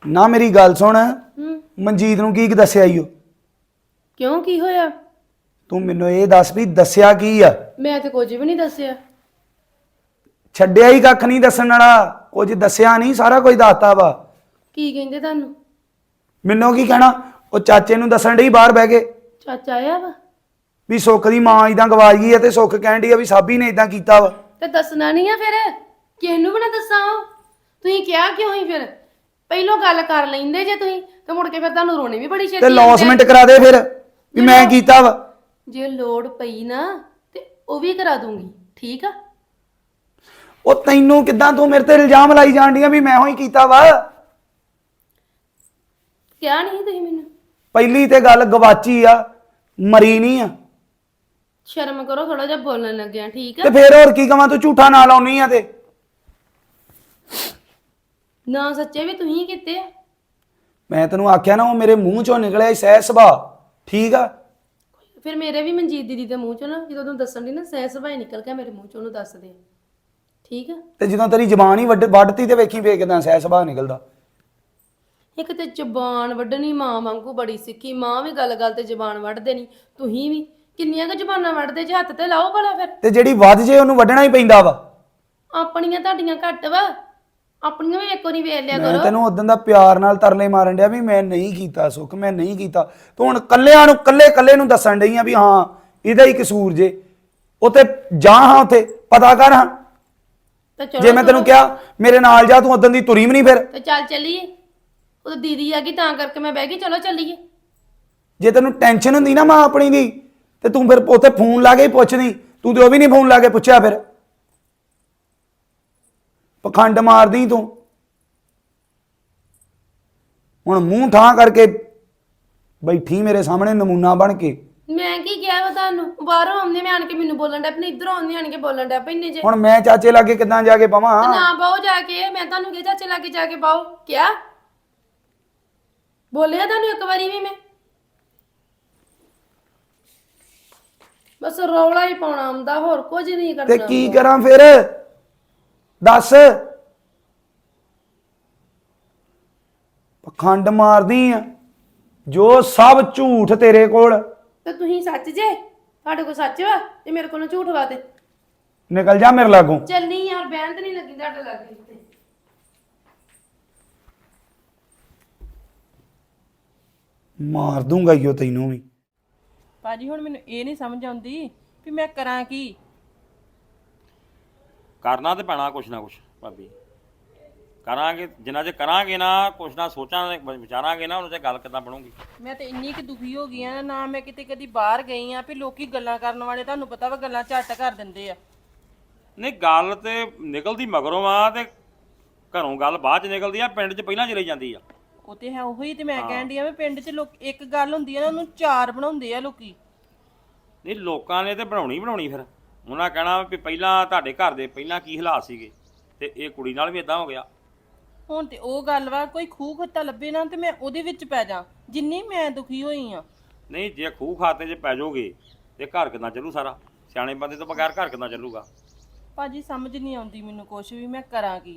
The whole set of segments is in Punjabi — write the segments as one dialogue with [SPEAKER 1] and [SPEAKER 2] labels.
[SPEAKER 1] ਨਾ ਮੇਰੀ ਗੱਲ ਸੁਣ ਮਨਜੀਤ ਨੂੰ ਕੀ ਦੱਸਿਆ ਈ ਓ
[SPEAKER 2] ਕਿਉਂ ਕੀ ਹੋਇਆ?
[SPEAKER 1] ਤੂੰ ਮੈਨੂੰ ਇਹ ਦੱਸ ਵੀ ਦੱਸਿਆ ਕੀ ਆ?
[SPEAKER 2] ਮੈਂ ਤੇ ਕੁਝ ਵੀ ਨਹੀਂ ਦੱਸਿਆ।
[SPEAKER 1] ਛੱਡਿਆ ਹੀ ਕੱਖ ਨਹੀਂ ਦੱਸਣ ਵਾਲਾ, ਕੁਝ ਦੱਸਿਆ ਨਹੀਂ, ਸਾਰਾ ਕੁਝ ਦੱਸਤਾ ਵਾ।
[SPEAKER 2] ਕੀ ਕਹਿੰਦੇ ਤੁਹਾਨੂੰ?
[SPEAKER 1] ਮੈਨੂੰ ਕੀ ਕਹਿਣਾ? ਉਹ ਚਾਚੇ ਨੂੰ ਦੱਸਣ ਡਈ ਬਾਹਰ ਬਹਿ ਕੇ
[SPEAKER 2] ਚਾਚਾ ਆਇਆ ਵਾ?
[SPEAKER 1] ਵੀ ਸੁੱਖ ਦੀ ਮਾਂ ਇਦਾਂ ਗਵਾਚ ਗਈ ਆ ਤੇ ਸੁੱਖ ਕਹਿਣ ਡਈ ਆ ਵੀ ਸਾਬੀ ਨੇ ਇਦਾਂ ਕੀਤਾ ਵਾ।
[SPEAKER 2] ਤੇ ਦੱਸਣਾ ਨਹੀਂ ਆ ਫਿਰ? ਕਿਸ ਨੂੰ ਵੀ ਨਾ ਦੱਸਾਂ? ਤੁਸੀਂ ਕਿਹਾ ਕਿਉਂ ਹੀ ਫਿਰ? ਪਹਿਲੋਂ ਗੱਲ ਕਰ ਲੈਂਦੇ ਜੇ ਤੁਸੀਂ ਤੇ ਮੁੜ ਕੇ ਫਿਰ ਤੁਹਾਨੂੰ ਰੋਣੇ ਵੀ ਬੜੀ ਛੇਤੀ
[SPEAKER 1] ਤੇ ਲੌਸਮੈਂਟ ਕਰਾ ਦੇ ਫਿਰ ਵੀ ਮੈਂ ਕੀਤਾ ਵਾ।
[SPEAKER 2] ਜੇ ਲੋੜ ਪਈ ਨਾ ਤੇ ਉਹ ਵੀ ਕਰਾ ਦੂੰਗੀ, ਠੀਕ ਆ?
[SPEAKER 1] ਉਹ ਤੈਨੂੰ ਕਿਦਾਂ, ਤੂੰ ਮੇਰੇ ਤੇ ਇਲਜ਼ਾਮ ਲਾਈ ਜਾਣ ਡਈ ਆ ਵੀ ਮੈਂ ਹੋਈ ਕੀਤਾ ਵਾ?
[SPEAKER 2] ਕਿਹਾ ਨਹੀਂ ਤੁਸੀਂ ਮੈਨੂੰ?
[SPEAKER 1] ਪਹਿਲੀ ਤੇ ਗੱਲ ਗਵਾਚੀ ਆ, ਮਰੀ ਨਹੀਂ ਆ।
[SPEAKER 2] ਸ਼ਰਮ ਕਰੋ ਥੋੜਾ ਜਿਹਾ ਬੋਲਣ ਲੱਗਿਆ, ਠੀਕ ਆ?
[SPEAKER 1] ਤੇ ਫੇਰ ਹੋਰ ਕੀ ਕਵਾਂ, ਤੂੰ ਝੂਠਾ ਨਾ ਲਾਉਣੀ ਆ ਤੇ
[SPEAKER 2] ਨਾ ਸੱਚੇ ਵੀ ਤੁਸੀਂ ਕੀਤੇ ਆ।
[SPEAKER 1] ਮੈਂ ਤੈਨੂੰ ਆਖਿਆ ਨਾ ਉਹ ਮੇਰੇ ਮੂੰਹ ਚੋਂ ਨਿਕਲਿਆ ਸਹਿ ਸੁਭਾਅ, ਠੀਕ ਆ?
[SPEAKER 2] ਫਿਰ ਮੇਰੇ ਵੀ ਮਨਜੀਤ ਦੀਦੀ ਦੇ ਮੂੰਹ ਚੋਂ ਨਾ ਜਦੋਂ ਤੂੰ ਦੱਸਣ ਦੀ ਨਾ ਸਹਿ ਸੁਭਾਅ ਨਿਕਲ ਗਿਆ ਮੇਰੇ ਮੂੰਹ ਚੋਂ, ਉਹਨੂੰ ਦੱਸ ਦੇ, ਠੀਕ ਆ?
[SPEAKER 1] ਤੇ ਜਦੋਂ ਤੇਰੀ ਜ਼ਬਾਨ ਹੀ ਵੱਢਤੀ ਤੇ ਵੇਖੀ ਫੇਰ ਕਿਦਾਂ ਸਹਿ ਸੁਭਾਅ ਨਿਕਲਦਾ।
[SPEAKER 2] ਇੱਕ ਤੇ ਜ਼ਬਾਨ ਵੱਢਣੀ ਮਾਂ ਵਾਂਗੂ ਬੜੀ ਸਿੱਖੀ, ਮਾਂ ਵੀ ਗੱਲ-ਗੱਲ ਤੇ ਜ਼ਬਾਨ ਵੱਢਦੇ ਨਹੀਂ, ਤੁਸੀਂ ਵੀ ਕਿੰਨੀਆਂ ਕੁ ਜ਼ਬਾਨਾਂ ਵੱਢਦੇ ਜੇ? ਹੱਥ ਤੇ ਲਾਓ ਭਲਾ ਫਿਰ।
[SPEAKER 1] ਤੇ ਜਿਹੜੀ ਵੱਧ ਜੇ ਉਹਨੂੰ ਵੱਢਣਾ ਹੀ ਪੈਂਦਾ ਵਾ।
[SPEAKER 2] ਆਪਣੀਆਂ ਤੁਹਾਡੀਆਂ ਘੱਟ ਵਾ, ਆਪਣੀਆਂ ਵੀ ਇੱਕ ਵਾਰੀ ਵੇਖ ਲਿਆ
[SPEAKER 1] ਮੈਂ
[SPEAKER 2] ਕਰੋ।
[SPEAKER 1] ਤੈਨੂੰ ਉਦੋਂ ਦਾ ਪਿਆਰ ਨਾਲ ਤਰਲੇ ਮਾਰਨ ਡਿਆ ਵੀ ਮੈਂ ਨਹੀਂ ਕੀਤਾ ਸੁੱਖ, ਮੈਂ ਨਹੀਂ ਕੀਤਾ। ਤੂੰ ਹੁਣ ਕੱਲਿਆਂ ਨੂੰ ਕੱਲੇ ਨੂੰ ਦੱਸਣ ਡਈ ਆ ਵੀ ਹਾਂ ਇਹਦਾ ਹੀ ਕਸੂਰ ਜੇ। ਉੱਥੇ ਜਾ ਹਾਂ, ਉੱਥੇ ਪਤਾ ਕਰ ਹਾਂ।
[SPEAKER 2] ਤੇ ਚਲੋ
[SPEAKER 1] ਜੇ ਮੈਂ ਤੈਨੂੰ ਕਿਹਾ ਮੇਰੇ ਨਾਲ ਜਾ, ਤੂੰ ਉਦੋਂ ਦੀ ਤੁਰੀ ਵੀ ਨਹੀਂ ਫਿਰ।
[SPEAKER 2] ਤੇ ਚੱਲ ਚੱਲੀਏ। ਉਹ ਦੀਦੀ ਆ ਗਈ ਤਾਂ ਕਰਕੇ ਮੈਂ ਬਹਿ ਗਈ, ਚਲੋ ਚੱਲੀਏ।
[SPEAKER 1] ਜੇ ਤੈਨੂੰ ਟੈਨਸ਼ਨ ਹੁੰਦੀ ਨਾ ਮਾਂ ਆਪਣੀ ਦੀ ਤੇ ਤੂੰ ਫਿਰ ਉੱਥੇ ਫੋਨ ਲਾ ਕੇ ਹੀ ਪੁੱਛਦੀ, ਤੂੰ ਤੇ ਉਹ ਵੀ ਨਹੀਂ ਫੋਨ ਲਾ ਕੇ ਪੁੱਛਿਆ। ਫਿਰ ਪਖੰਡ ਮਾਰਦੀ ਤੂੰ। ਹੁਣ ਮੂੰਹ ਠਾਂ ਕਰਕੇ ਬੈਠੀ ਮੇਰੇ ਸਾਹਮਣੇ ਨਮੂਨਾ ਬਣ ਕੇ।
[SPEAKER 2] ਮੈਂ ਕੀ ਕਿਹਾ ਵਾ ਤੁਹਾਨੂੰ? ਬਾਹਰੋਂ ਆਉਂਦੇ ਮੈਂ ਆਣ ਕੇ ਮੈਨੂੰ ਬੋਲਣ ਡਿਆ ਪਈ, ਇਧਰੋਂ ਆਉਂਦੇ ਆਣ ਕੇ ਬੋਲਣ ਡਿਆ ਪਈ ਨੇ ਜੇ।
[SPEAKER 1] ਹੁਣ ਮੈਂ ਚਾਚੇ ਲਾਗੇ ਕਿੱਦਾਂ ਜਾ ਕੇ ਪਾਵਾਂ?
[SPEAKER 2] ਨਾ ਬਾਹੋ ਜਾ ਕੇ, ਮੈਂ ਤੁਹਾਨੂੰ ਕਿਹਾ ਚਾਚੇ ਲਾਗੇ ਜਾ ਕੇ ਬਾਹੋ। ਕਿਆ ਬੋਲਿਆ ਤੁਹਾਨੂੰ ਇੱਕ ਵਾਰੀ ਵੀ ਮੈਂ? ਬਸ ਰੌਲਾ ਹੀ ਪਾਉਣਾ ਆਉਂਦਾ, ਹੋਰ ਕੁਝ ਨਹੀਂ ਕਰਨਾ।
[SPEAKER 1] ਤੇ ਕੀ ਕਰਾਂ ਫਿਰ ਦੱਸ? ਪਖੰਡ ਮਾਰਦੀ ਆ, ਜੋ ਸਭ ਝੂਠ ਤੇਰੇ ਕੋਲ।
[SPEAKER 2] ਤੇ ਤੁਸੀਂ ਸੱਚ ਜੇ? ਤੁਹਾਡੇ ਕੋਲ ਸੱਚ ਵਾ ਤੇ ਮੇਰੇ ਕੋਲੋਂ ਝੂਠ ਵਾ? ਤੇ
[SPEAKER 1] ਨਿਕਲ ਜਾ ਮੇਰੇ ਲਾਗੋਂ।
[SPEAKER 2] ਚੱਲਨੀ ਯਾਰ, ਬਹਿਣ ਤੇ ਨਹੀਂ ਲੱਗੀ ਤੁਹਾਡੇ ਲਾਗੇ ਤੇ।
[SPEAKER 1] ਮਾਰ ਦੂੰਗਾ ਈਓ ਤੈਨੂੰ ਵੀ।
[SPEAKER 3] ਭਾਜੀ ਹੁਣ ਮੈਨੂੰ ਇਹ ਨਹੀਂ ਸਮਝ ਆਉਂਦੀ ਵੀ ਮੈਂ ਕਰਾਂ ਕੀ।
[SPEAKER 4] ਕਰਨਾ ਤੇ ਪੈਣਾ ਕੁਛ ਨਾ ਕੁਛ ਭਾਬੀ, ਕਰਾਂਗੇ ਜਿੰਨਾ ਚਿਰ ਕਰਾਂਗੇ ਨਾ, ਕੁਛ ਨਾ ਸੋਚਾਂਗੇ ਵਿਚਾਰਾਂਗੇ ਨਾ, ਉਹਨਾਂ ਤੇ ਗੱਲ ਕਿੱਦਾਂ ਬਣੂਗੀ।
[SPEAKER 3] ਮੈਂ ਤੇ ਇੰਨੀ ਕਿ ਦੁਖੀ ਹੋ ਗਈ ਆ ਨਾ, ਮੈਂ ਕਿਤੇ ਕਦੀ ਬਾਹਰ ਗਈ ਆ ਵੀ ਲੋਕੀ ਗੱਲਾਂ ਕਰਨ ਵਾਲੇ ਤੁਹਾਨੂੰ ਪਤਾ ਵਾ ਗੱਲਾਂ ਝੱਟ ਕਰ ਦਿੰਦੇ ਆ।
[SPEAKER 4] ਨਹੀਂ ਗੱਲ ਤੇ ਨਿਕਲਦੀ ਮਗਰੋਂ ਆ ਤੇ ਘਰੋਂ ਗੱਲ ਬਾਅਦ ਚ ਨਿਕਲਦੀ ਆ, ਪਿੰਡ ਚ ਪਹਿਲਾਂ ਚਲੀ ਜਾਂਦੀ ਆ।
[SPEAKER 3] ਉਹ ਤੇ ਹੈ, ਉਹੀ ਤੇ ਮੈਂ ਕਹਿਣ ਡਈ ਆ ਵੀ ਪਿੰਡ 'ਚ ਲੋਕ ਇੱਕ ਗੱਲ ਹੁੰਦੀ ਆ ਨਾ, ਉਹਨੂੰ ਚਾਰ ਬਣਾਉਂਦੇ ਆ ਲੋਕੀ।
[SPEAKER 4] ਨਹੀਂ ਲੋਕਾਂ ਨੇ ਤੇ ਬਣਾਉਣੀ ਫਿਰ ਉਹਨਾਂ ਕਹਿਣਾ ਵੀ ਪਹਿਲਾਂ ਤੁਹਾਡੇ ਘਰ ਦੇ ਪਹਿਲਾਂ ਕੀ ਹਾਲਾਤ ਸੀਗੇ ਤੇ ਇਹ ਕੁੜੀ ਨਾਲ ਵੀ ਇਦਾਂ ਹੋ ਗਿਆ।
[SPEAKER 3] ਹੁਣ ਤੇ ਉਹ ਗੱਲ ਵਾ, ਕੋਈ ਖੂਹ ਖੱਤਾ ਲੱਭੇ ਨਾ ਤੇ ਮੈਂ ਉਹਦੇ ਵਿੱਚ ਪੈ ਜਾ, ਜਿੰਨੀ ਮੈਂ ਦੁਖੀ ਹੋਈ ਆ।
[SPEAKER 4] ਨਹੀਂ ਜੇ ਖੂਹ ਖਾਤੇ 'ਚ ਪੈ ਜਾਓਗੇ ਤੇ ਘਰ ਕਿੱਦਾਂ ਚੱਲੂ ਸਾਰਾ? ਸਿਆਣੇ ਬੰਦੇ ਤੋਂ ਬਗੈਰ ਘਰ ਕਿੱਦਾਂ ਚੱਲੂਗਾ?
[SPEAKER 3] ਭਾਜੀ ਸਮਝ ਨਹੀਂ ਆਉਂਦੀ ਮੈਨੂੰ ਕੁਛ ਵੀ, ਮੈਂ ਕਰਾਂ ਕੀ।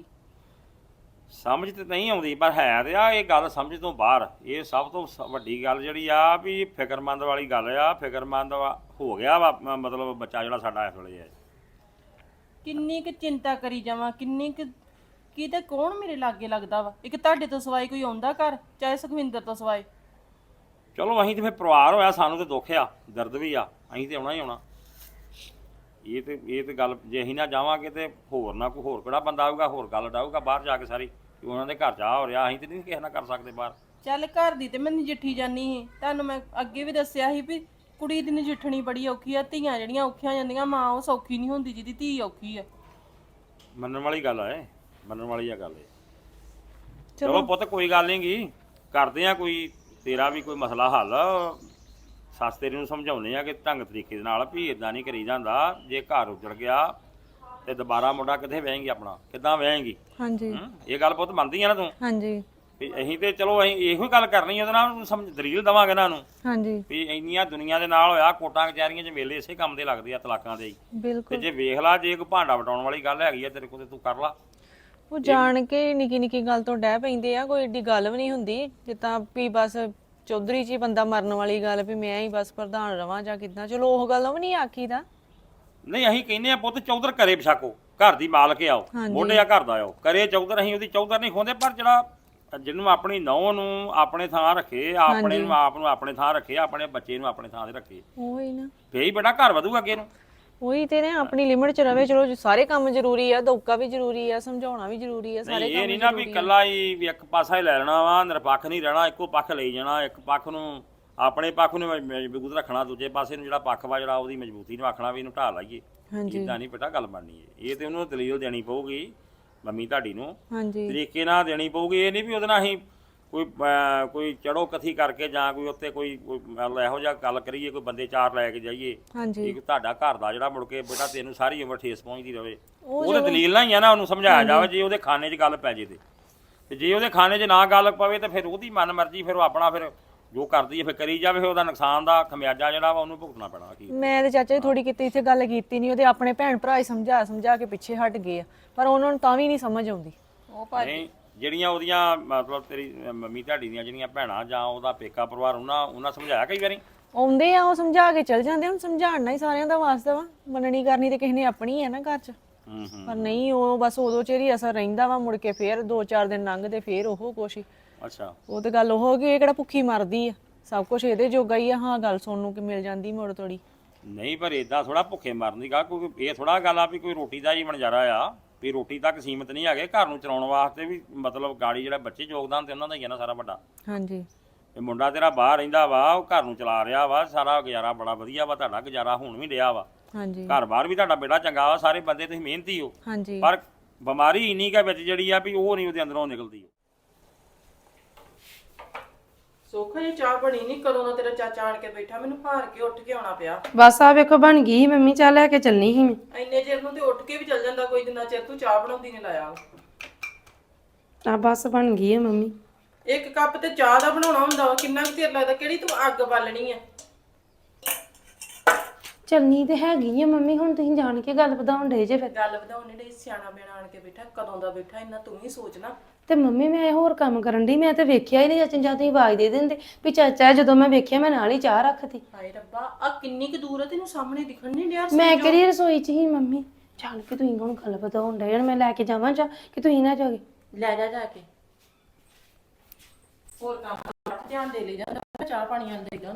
[SPEAKER 4] ਸਮਝ ਤੇ ਨਹੀਂ ਆਉਂਦੀ, ਪਰ ਹੈ ਤੇ ਆ ਇਹ ਗੱਲ ਸਮਝ ਤੋਂ ਬਾਹਰ। ਇਹ ਸਭ ਤੋਂ ਵੱਡੀ ਗੱਲ ਜਿਹੜੀ ਆ ਵੀ ਫਿਕਰਮੰਦ ਵਾਲੀ ਗੱਲ ਆ। ਫਿਕਰਮੰਦ ਹੋ ਗਿਆ ਵਾ ਮਤਲਬ ਬੱਚਾ ਜਿਹੜਾ ਸਾਡਾ ਇਸ ਵੇਲੇ ਹੈ।
[SPEAKER 3] ਕਿੰਨੀ ਕੁ ਚਿੰਤਾ ਕਰੀ ਜਾਵਾਂ, ਕਿੰਨੀ ਕੁ ਕੀ ਤੇ ਕੌਣ ਮੇਰੇ ਲਾਗੇ ਲੱਗਦਾ ਵਾ? ਇੱਕ ਤੁਹਾਡੇ ਤੋਂ ਸਿਵਾਏ ਕੋਈ ਆਉਂਦਾ ਘਰ, ਚਾਹੇ ਸੁਖਵਿੰਦਰ ਤੋਂ ਸਿਵਾਏ?
[SPEAKER 4] ਚਲੋ ਅਸੀਂ ਤੇ ਫਿਰ ਪਰਿਵਾਰ ਹੋਇਆ, ਸਾਨੂੰ ਤੇ ਦੁੱਖ ਆ, ਦਰਦ ਵੀ ਆ, ਅਸੀਂ ਤੇ ਆਉਣਾ ਹੀ ਆਉਣਾ। ਇਹ ਤੇ ਗੱਲ ਜੇ ਅਸੀਂ ਨਾ ਜਾਵਾਂਗੇ ਤੇ ਹੋਰ ਨਾ ਕੋਈ ਹੋਰ ਕਿਹੜਾ ਬੰਦਾ ਆਊਗਾ, ਹੋਰ ਗੱਲ ਡਾਊਗਾ ਬਾਹਰ ਜਾ ਕੇ ਸਾਰੀ ਕਿ ਉਹਨਾਂ ਦੇ ਘਰ ਜਾ ਹੋ ਰਿਹਾ, ਅਸੀਂ ਤੇ ਨਹੀਂ ਕਿਸੇ ਨਾਲ ਕਰ ਸਕਦੇ ਬਾਹਰ।
[SPEAKER 3] ਚੱਲ ਘਰ ਦੀ ਤੇ ਮੈਂ ਨਜਿੱਠੀ ਜਾਨੀ ਸੀ, ਤੁਹਾਨੂੰ ਮੈਂ ਅੱਗੇ ਵੀ ਦੱਸਿਆ ਸੀ ਵੀ ਕੁੜੀ ਦੀ ਨਜਿੱਠਣੀ ਬੜੀ ਔਖੀ ਆ। ਧੀਆਂ ਜਿਹੜੀਆਂ ਔਖੀਆਂ ਜਾਂਦੀਆਂ, ਮਾਂ ਉਹ ਸੌਖੀ ਨਹੀਂ ਹੁੰਦੀ ਜਿਹਦੀ ਧੀ ਔਖੀ ਆ।
[SPEAKER 4] ਮੰਨਣ ਵਾਲੀ ਗੱਲ ਆ, ਇਹ ਮੰਨਣ ਵਾਲੀ ਆ ਗੱਲ ਇਹ। ਚਲੋ ਪੁੱਤ ਕੋਈ ਗੱਲ ਨਹੀਂ ਗੀ, ਕਰਦੇ ਆ ਕੋਈ ਤੇਰਾ ਵੀ ਕੋਈ ਮਸਲਾ ਹੱਲ। ਸੱਸ ਤੇਰੀ ਨੂੰ ਸਮਝਾਉਂਦੇ ਆ ਕਿ ਢੰਗ ਤਰੀਕੇ ਦੇ ਨਾਲ ਵੀ ਇਦਾਂ ਨਹੀਂ ਕਰੀ ਜਾਂਦਾ। ਜੇ ਘਰ ਉੱਜੜ ਗਿਆ ਤੇ ਦੁਬਾਰਾ ਮੁੰਡਾ ਕਿੱਥੇ ਵਹੇਂਗੀ, ਆਪਣਾ ਕਿੱਦਾਂ ਵਹੇਂਗੀ?
[SPEAKER 5] ਹਾਂਜੀ
[SPEAKER 4] ਇਹ ਗੱਲ ਪੁੱਤ ਮੰਨਦੀ ਆ ਨਾ ਤੂੰ?
[SPEAKER 5] ਹਾਂਜੀ
[SPEAKER 4] ਵੀ ਅਸੀਂ ਤੇ ਚਲੋ ਅਸੀਂ ਇਹੋ ਗੱਲ ਕਰਨੀ ਉਹਦੇ ਨਾਲ, ਸਮਝ ਦਲੀਲ ਦੇਵਾਂਗੇ ਇਹਨਾਂ ਨੂੰ
[SPEAKER 5] ਹਾਂਜੀ
[SPEAKER 4] ਵੀ ਇੰਨੀਆਂ ਦੁਨੀਆ ਦੇ ਨਾਲ ਹੋਇਆ, ਕੋਟਾਂ ਕਚਹਿਰੀਆਂ 'ਚ ਵੇਲੇ ਇਸੇ ਕੰਮ ਦੇ ਲੱਗਦੇ ਆ, ਤਲਾਕਾਂ ਦੇ ਹੀ। ਤੇ
[SPEAKER 5] ਬਿਲਕੁਲ।
[SPEAKER 4] ਜੇ ਵੇਖ ਲਾ, ਜੇ ਕੋਈ ਭਾਂਡਾ ਵਟਾਉਣ ਵਾਲੀ ਗੱਲ ਹੈਗੀ ਆ ਤੇਰੇ ਕੋਲ ਤੇ ਤੂੰ ਕਰ ਲਾ।
[SPEAKER 5] ਉਹ ਜਾਣ ਕੇ ਨਿੱਕੀ ਨਿੱਕੀ ਗੱਲ ਤੋਂ ਡਹਿ ਪੈਂਦੇ ਆ, ਕੋਈ ਏਡੀ ਗੱਲ ਵੀ ਨਹੀਂ ਹੁੰਦੀ। ਜਿੱਦਾਂ ਵੀ ਬਸ ਚੌਧਰੀ 'ਚ ਹੀ ਬੰਦਾ ਮਰਨ ਵਾਲੀ ਗੱਲ ਵੀ ਮੈਂ ਹੀ ਬਸ ਪ੍ਰਧਾਨ ਰਵਾਂ ਜਾਂ ਕਿੱਦਾਂ, ਚਲੋ ਉਹ ਗੱਲ ਵੀ ਨਹੀਂ ਆਖੀਦਾ।
[SPEAKER 4] ਨਹੀਂ ਅਸੀਂ ਕਹਿੰਦੇ ਆ ਪੁੱਤ ਚੌਧਰ ਘਰੇ ਬਸਾਕੋ, ਘਰ ਦੀ ਮਾਲਕ ਆਓ, ਮੋਢੇ ਆ ਘਰ ਦਾ ਆਓ, ਕਰੇ ਚੌਧਰ। ਅਸੀਂ ਉਹਦੀ ਚੌਧਰ ਨਹੀਂ ਖੋਂਦੇ, ਪਰ ਜਿਹੜਾ ਜਿਹਨੂੰ ਆਪਣੀ ਨੌਂ ਨੂੰ ਆਪਣੇ ਥਾਂ ਰੱਖੇ, ਆਪਣੇ ਨੂੰ ਆਪ ਨੂੰ ਆਪਣੇ ਥਾਂ ਰੱਖੇ, ਆਪਣੇ ਬੱਚੇ ਨੂੰ ਆਪਣੇ ਥਾਂ ਤੇ ਰੱਖੇ,
[SPEAKER 5] ਉਹੀ ਨਾ,
[SPEAKER 4] ਫੇਰ ਹੀ ਬੇਟਾ ਘਰ ਵਧੂਗਾ ਅੱਗੇ ਨੂੰ।
[SPEAKER 5] ਉਹੀ ਤੇ ਨੇ, ਆਪਣੀ ਲਿਮਿਟ 'ਚ ਰਵੇ। ਚਲੋ ਸਾਰੇ ਕੰਮ ਜ਼ਰੂਰੀ ਆ, ਦੌਕਾ ਵੀ ਜ਼ਰੂਰੀ ਆ, ਸਮਝਾਉਣਾ ਵੀ ਜ਼ਰੂਰੀ ਆ, ਸਾਰੇ
[SPEAKER 4] ਇਹ ਨਹੀਂ ਨਾ ਵੀ ਕੱਲਾ ਹੀ ਵੀ ਇੱਕ ਪਾਸਾ ਹੀ ਲੈ ਲੈਣਾ ਵਾ, ਨਿਰਪੱਖ ਨਹੀਂ ਰਹਿਣਾ, ਇੱਕੋ ਪੱਖ ਲਈ ਜਾਣਾ। ਇੱਕ ਪੱਖ ਨੂੰ ਆਪਣੇ ਪੱਖ ਨੂੰ ਮਜ਼ਬੂਤ ਰੱਖਣਾ, ਦੂਜੇ ਪਾਸੇ ਨੂੰ ਜਿਹੜਾ ਪੱਖ ਵਾ ਜਿਹੜਾ ਉਹਦੀ ਮਜ਼ਬੂਤੀ ਨੂੰ ਆਖਣਾ ਵੀ ਇਹਨੂੰ ਢਾਹ ਲਾਈਏ। ਇਦਾਂ ਨਹੀਂ ਬੇਟਾ ਗੱਲ ਬਣਨੀ ਹੈ। ਇਹ ਤੇ ਉਹਨੂੰ ਦਲੀਲ ਦੇਣੀ ਪਊਗੀ ਮੰਮੀ ਤੁਹਾਡੀ ਨੂੰ, ਤਰੀਕੇ ਨਾਲ ਦੇਣੀ ਪਊਗੀ। ਇਹ ਨਹੀਂ ਵੀ ਉਹਦੇ ਨਾਲ ਅਸੀਂ ਕੋਈ ਚੜੋ ਕਥੀ ਕਰਕੇ ਜਾਂ ਕੋਈ ਉੱਤੇ ਕੋਈ ਇਹੋ ਜਿਹਾ ਗੱਲ ਕਰੀਏ, ਕੋਈ ਬੰਦੇ ਚਾਰ ਲੈ ਕੇ ਜਾਈਏ। ਇੱਕ ਤੁਹਾਡਾ ਘਰ ਦਾ ਜਿਹੜਾ ਮੁੜ ਕੇ ਬੇਟਾ ਤੈਨੂੰ ਸਾਰੀ ਉਮਰ ਠੇਸ ਪਹੁੰਚਦੀ ਰਵੇ, ਉਹਦੇ ਦਲੀਲ ਨਾਲ ਹੀ ਆ ਨਾ ਉਹਨੂੰ ਸਮਝਾਇਆ ਜਾਵੇ। ਜੇ ਉਹਦੇ ਖਾਨੇ 'ਚ ਗੱਲ ਪੈ ਜੇ ਤੇ ਜੇ ਉਹਦੇ ਖਾਨੇ 'ਚ ਨਾ ਗੱਲ ਪਵੇ ਤੇ ਫਿਰ ਉਹਦੀ ਮਨ ਮਰਜ਼ੀ, ਫਿਰ ਉਹ ਆਪਣਾ ਫਿਰ ਜੋ ਕਰਦੀ ਹੈ ਫਿਰ ਕਰੀ ਜਾਵੇ। ਫਿਰ ਉਹਦਾ ਨੁਕਸਾਨ ਦਾ ਖਮਿਆਜਾ ਜਿਹੜਾ ਵਾ ਉਹਨੂੰ ਭੁਗਤਣਾ ਪੈਣਾ। ਕੀ
[SPEAKER 5] ਮੈਂ ਤੇ ਚਾਚਾ ਜੀ ਥੋੜੀ ਕਿਤੇ ਇੱਥੇ ਗੱਲ ਕੀਤੀ ਨਹੀਂ, ਉਹਦੇ ਆਪਣੇ ਭੈਣ ਭਰਾ ਹੀ ਸਮਝਾ ਕੇ ਪਿੱਛੇ ਹਟ ਗਏ ਆ, ਪਰ ਉਹਨਾਂ ਨੂੰ ਤਾਂ ਵੀ ਨਹੀਂ ਸਮਝ ਆਉਂਦੀ।
[SPEAKER 3] ਉਹ ਭਾਜੀ
[SPEAKER 4] ਜਿਹੜੀਆਂ ਉਹਦੀਆਂ ਮਤਲਬ ਤੇਰੀ ਮੰਮੀ ਤੁਹਾਡੀ ਦੀਆਂ ਜਿਹੜੀਆਂ ਭੈਣਾਂ ਜਾਂ ਉਹਦਾ ਪੇਕਾ ਪਰਿਵਾਰ, ਉਹਨਾਂ ਸਮਝਾਇਆ ਕਈ ਵਾਰੀ?
[SPEAKER 5] ਆਉਂਦੇ ਆ, ਉਹ ਸਮਝਾ ਕੇ ਚਲ ਜਾਂਦੇ। ਹੁਣ ਸਮਝਾਉਣਾ ਹੀ ਸਾਰਿਆਂ ਦਾ ਵਾਸਤਾ ਵਾ, ਮੰਨਣੀ ਕਰਨੀ ਤੇ ਕਿਸੇ ਨੇ ਆਪਣੀ ਹੈ ਨਾ ਘਰ 'ਚ। ਪਰ ਨਹੀਂ, ਉਹ ਬਸ ਉਦੋਂ ਚਿਰ ਹੀ ਅਸਰ ਰਹਿੰਦਾ ਵਾ, ਮੁੜ ਕੇ ਫੇਰ 2-4 ਦਿਨ ਲੰਘਦੇ ਫੇਰ ਉਹ ਕੁਛ ਹੀ।
[SPEAKER 4] ਅੱਛਾ,
[SPEAKER 5] ਉਹ ਤੇ ਗੱਲ ਉਹ ਹੋ ਗਈ, ਇਹ ਕਿਹੜਾ ਭੁੱਖੀ ਮਰਦੀ ਆ, ਸਭ ਕੁਝ ਇਹਦੇ ਜੋਗਾ ਹੀ ਆ। ਹਾਂ, ਗੱਲ ਸੁਣਨ ਨੂੰ ਕਿ ਮਿਲ ਜਾਂਦੀ ਮੁੜ ਤੋੜੀ।
[SPEAKER 4] ਨਹੀਂ ਪਰ ਇਦਾਂ ਥੋੜਾ ਭੁੱਖੇ ਮਰਨ ਦੀ ਗੱਲ, ਕੋਈ ਇਹ ਥੋੜਾ ਗੱਲ ਆ ਵੀ ਕੋਈ ਰੋਟੀ ਦਾ ਹੀ ਵਣਜਾਰਾ ਆ, ਵੀ ਰੋਟੀ ਤੱਕ ਸੀਮਤ ਨਹੀਂ ਹੈਗੇ। ਘਰ ਨੂੰ ਚਲਾਉਣ ਵਾਸਤੇ ਵੀ ਮਤਲਬ ਗਾੜੀ ਜਿਹੜਾ ਬੱਚੇ ਯੋਗਦਾਨ ਤੇ ਉਹਨਾਂ ਦਾ ਹੀ ਆ ਨਾ ਸਾਰਾ ਵੱਡਾ।
[SPEAKER 5] ਹਾਂਜੀ,
[SPEAKER 4] ਇਹ ਮੁੰਡਾ ਤੇਰਾ ਬਾਹਰ ਰਹਿੰਦਾ ਵਾ, ਉਹ ਘਰ ਨੂੰ ਚਲਾ ਰਿਹਾ ਵਾ, ਸਾਰਾ ਗੁਜ਼ਾਰਾ ਬੜਾ ਵਧੀਆ ਵਾ, ਤੁਹਾਡਾ ਗੁਜ਼ਾਰਾ ਹੁਣ ਵੀ ਰਿਹਾ ਵਾ।
[SPEAKER 5] ਹਾਂਜੀ,
[SPEAKER 4] ਘਰ ਬਾਹਰ ਵੀ ਤੁਹਾਡਾ ਬੇਟਾ ਚੰਗਾ ਵਾ, ਸਾਰੇ ਬੰਦੇ ਤੁਸੀਂ ਮਿਹਨਤੀ ਹੋ।
[SPEAKER 5] ਹਾਂਜੀ,
[SPEAKER 4] ਪਰ ਬਿਮਾਰੀ ਇੰਨੀ ਕਾ ਵਿੱਚ ਜਿਹੜੀ ਆ ਵੀ ਉਹ ਨਹੀਂ ਉਹਦੇ ਅੰਦਰੋਂ ਨਿਕਲਦੀ।
[SPEAKER 3] ਸੋਖਾ ਜੀ ਚਾਹ ਬਣੀ ਨਹੀਂ, ਕਦੋਂ ਦਾ ਤੇਰਾ ਚਾਚਾ ਆਣ ਕੇ ਬੈਠਾ, ਮੈਨੂੰ ਹਾਰ ਕੇ ਉੱਠ ਕੇ ਆਉਣਾ ਪਿਆ।
[SPEAKER 2] ਬਸ ਆ ਵੇਖੋ ਬਣ ਗਈ ਸੀ ਮੰਮੀ, ਚਾਹ ਲੈ ਕੇ ਚੱਲਣੀ ਸੀ ਮੈਂ।
[SPEAKER 3] ਇੰਨੇ ਚਿਰ ਨੂੰ ਤੇ ਉੱਠ ਕੇ ਵੀ ਚੱਲ ਜਾਂਦਾ ਕੋਈ, ਜਿੰਨਾ ਚਿਰ ਤੂੰ ਚਾਹ ਬਣਾਉਂਦੀ ਨੇ ਲਾਇਆ।
[SPEAKER 2] ਆ ਬਸ ਬਣ ਗਈ ਹੈ ਮੰਮੀ।
[SPEAKER 3] ਇੱਕ ਕੱਪ ਤੇ ਚਾਹ ਦਾ ਬਣਾਉਣਾ ਹੁੰਦਾ ਵਾ, ਕਿੰਨਾ ਕੁ ਚਿਰ ਲੱਗਦਾ? ਕਿਹੜੀ ਤੂੰ ਅੱਗ ਬਾਲਣੀ ਆ?
[SPEAKER 2] ਚੱਲਣੀ ਤੇ ਹੈਗੀ ਆ ਮੰਮੀ, ਹੁਣ ਤੁਸੀਂ ਜਾਣ ਕੇ ਗੱਲ ਵਧਾਉਣ ਡੇ ਜੇ ਫਿਰ।
[SPEAKER 3] ਗੱਲ ਵਧਾਉਣ ਨਹੀਂ, ਸਿਆਣਾ ਬਿਆਣਾ ਆਣ ਕੇ ਬੈਠਾ, ਕਦੋਂ ਦਾ ਬੈਠਾ, ਇੰਨਾ ਤੂੰ ਹੀ ਸੋਚ ਨਾ।
[SPEAKER 2] ਤੇ ਮੰਮੀ ਮੈਂ ਹੋਰ ਕੰਮ ਕਰਨ ਦੀ, ਮੈਂ ਤੇ ਵੇਖਿਆ ਹੀ ਨਹੀਂ। ਚਾਚਾ ਜਾਂ ਤੁਸੀਂ ਆਵਾਜ਼ ਦੇ ਦਿੰਦੇ ਵੀ ਚਾਚਾ, ਜਦੋਂ ਮੈਂ ਵੇਖਿਆ ਮੈਂ ਨਾਲ ਹੀ ਚਾਹ ਰੱਖਤੀ।
[SPEAKER 3] ਹਾਏ ਰੱਬਾ, ਆ ਕਿੰਨੀ ਕੁ ਦੂਰ ਆ, ਤੈਨੂੰ ਸਾਹਮਣੇ ਦਿਖਣ ਨਹੀਂ ਡਿਆ?
[SPEAKER 2] ਮੈਂ ਕਿਹੜੀ ਰਸੋਈ 'ਚ ਹੀ ਮੰਮੀ, ਜਾਣ ਕੇ ਤੁਸੀਂ ਹੁਣ ਗੱਲ ਵਧਾਉਣ ਡੇ, ਮੈਂ ਲੈ ਕੇ ਜਾਵਾਂ ਚਾਹ ਕਿ ਤੁਸੀਂ ਨਾ ਜਾਓਗੇ?
[SPEAKER 3] ਲੈ ਜਾ ਕੇ ਹੋਰ ਕੰਮ ਧਿਆਨ ਦੇ ਲਈ ਜਾਂਦਾ, ਚਾਹ ਪਾਣੀ ਆਂਦੇ ਦੇਗਾ।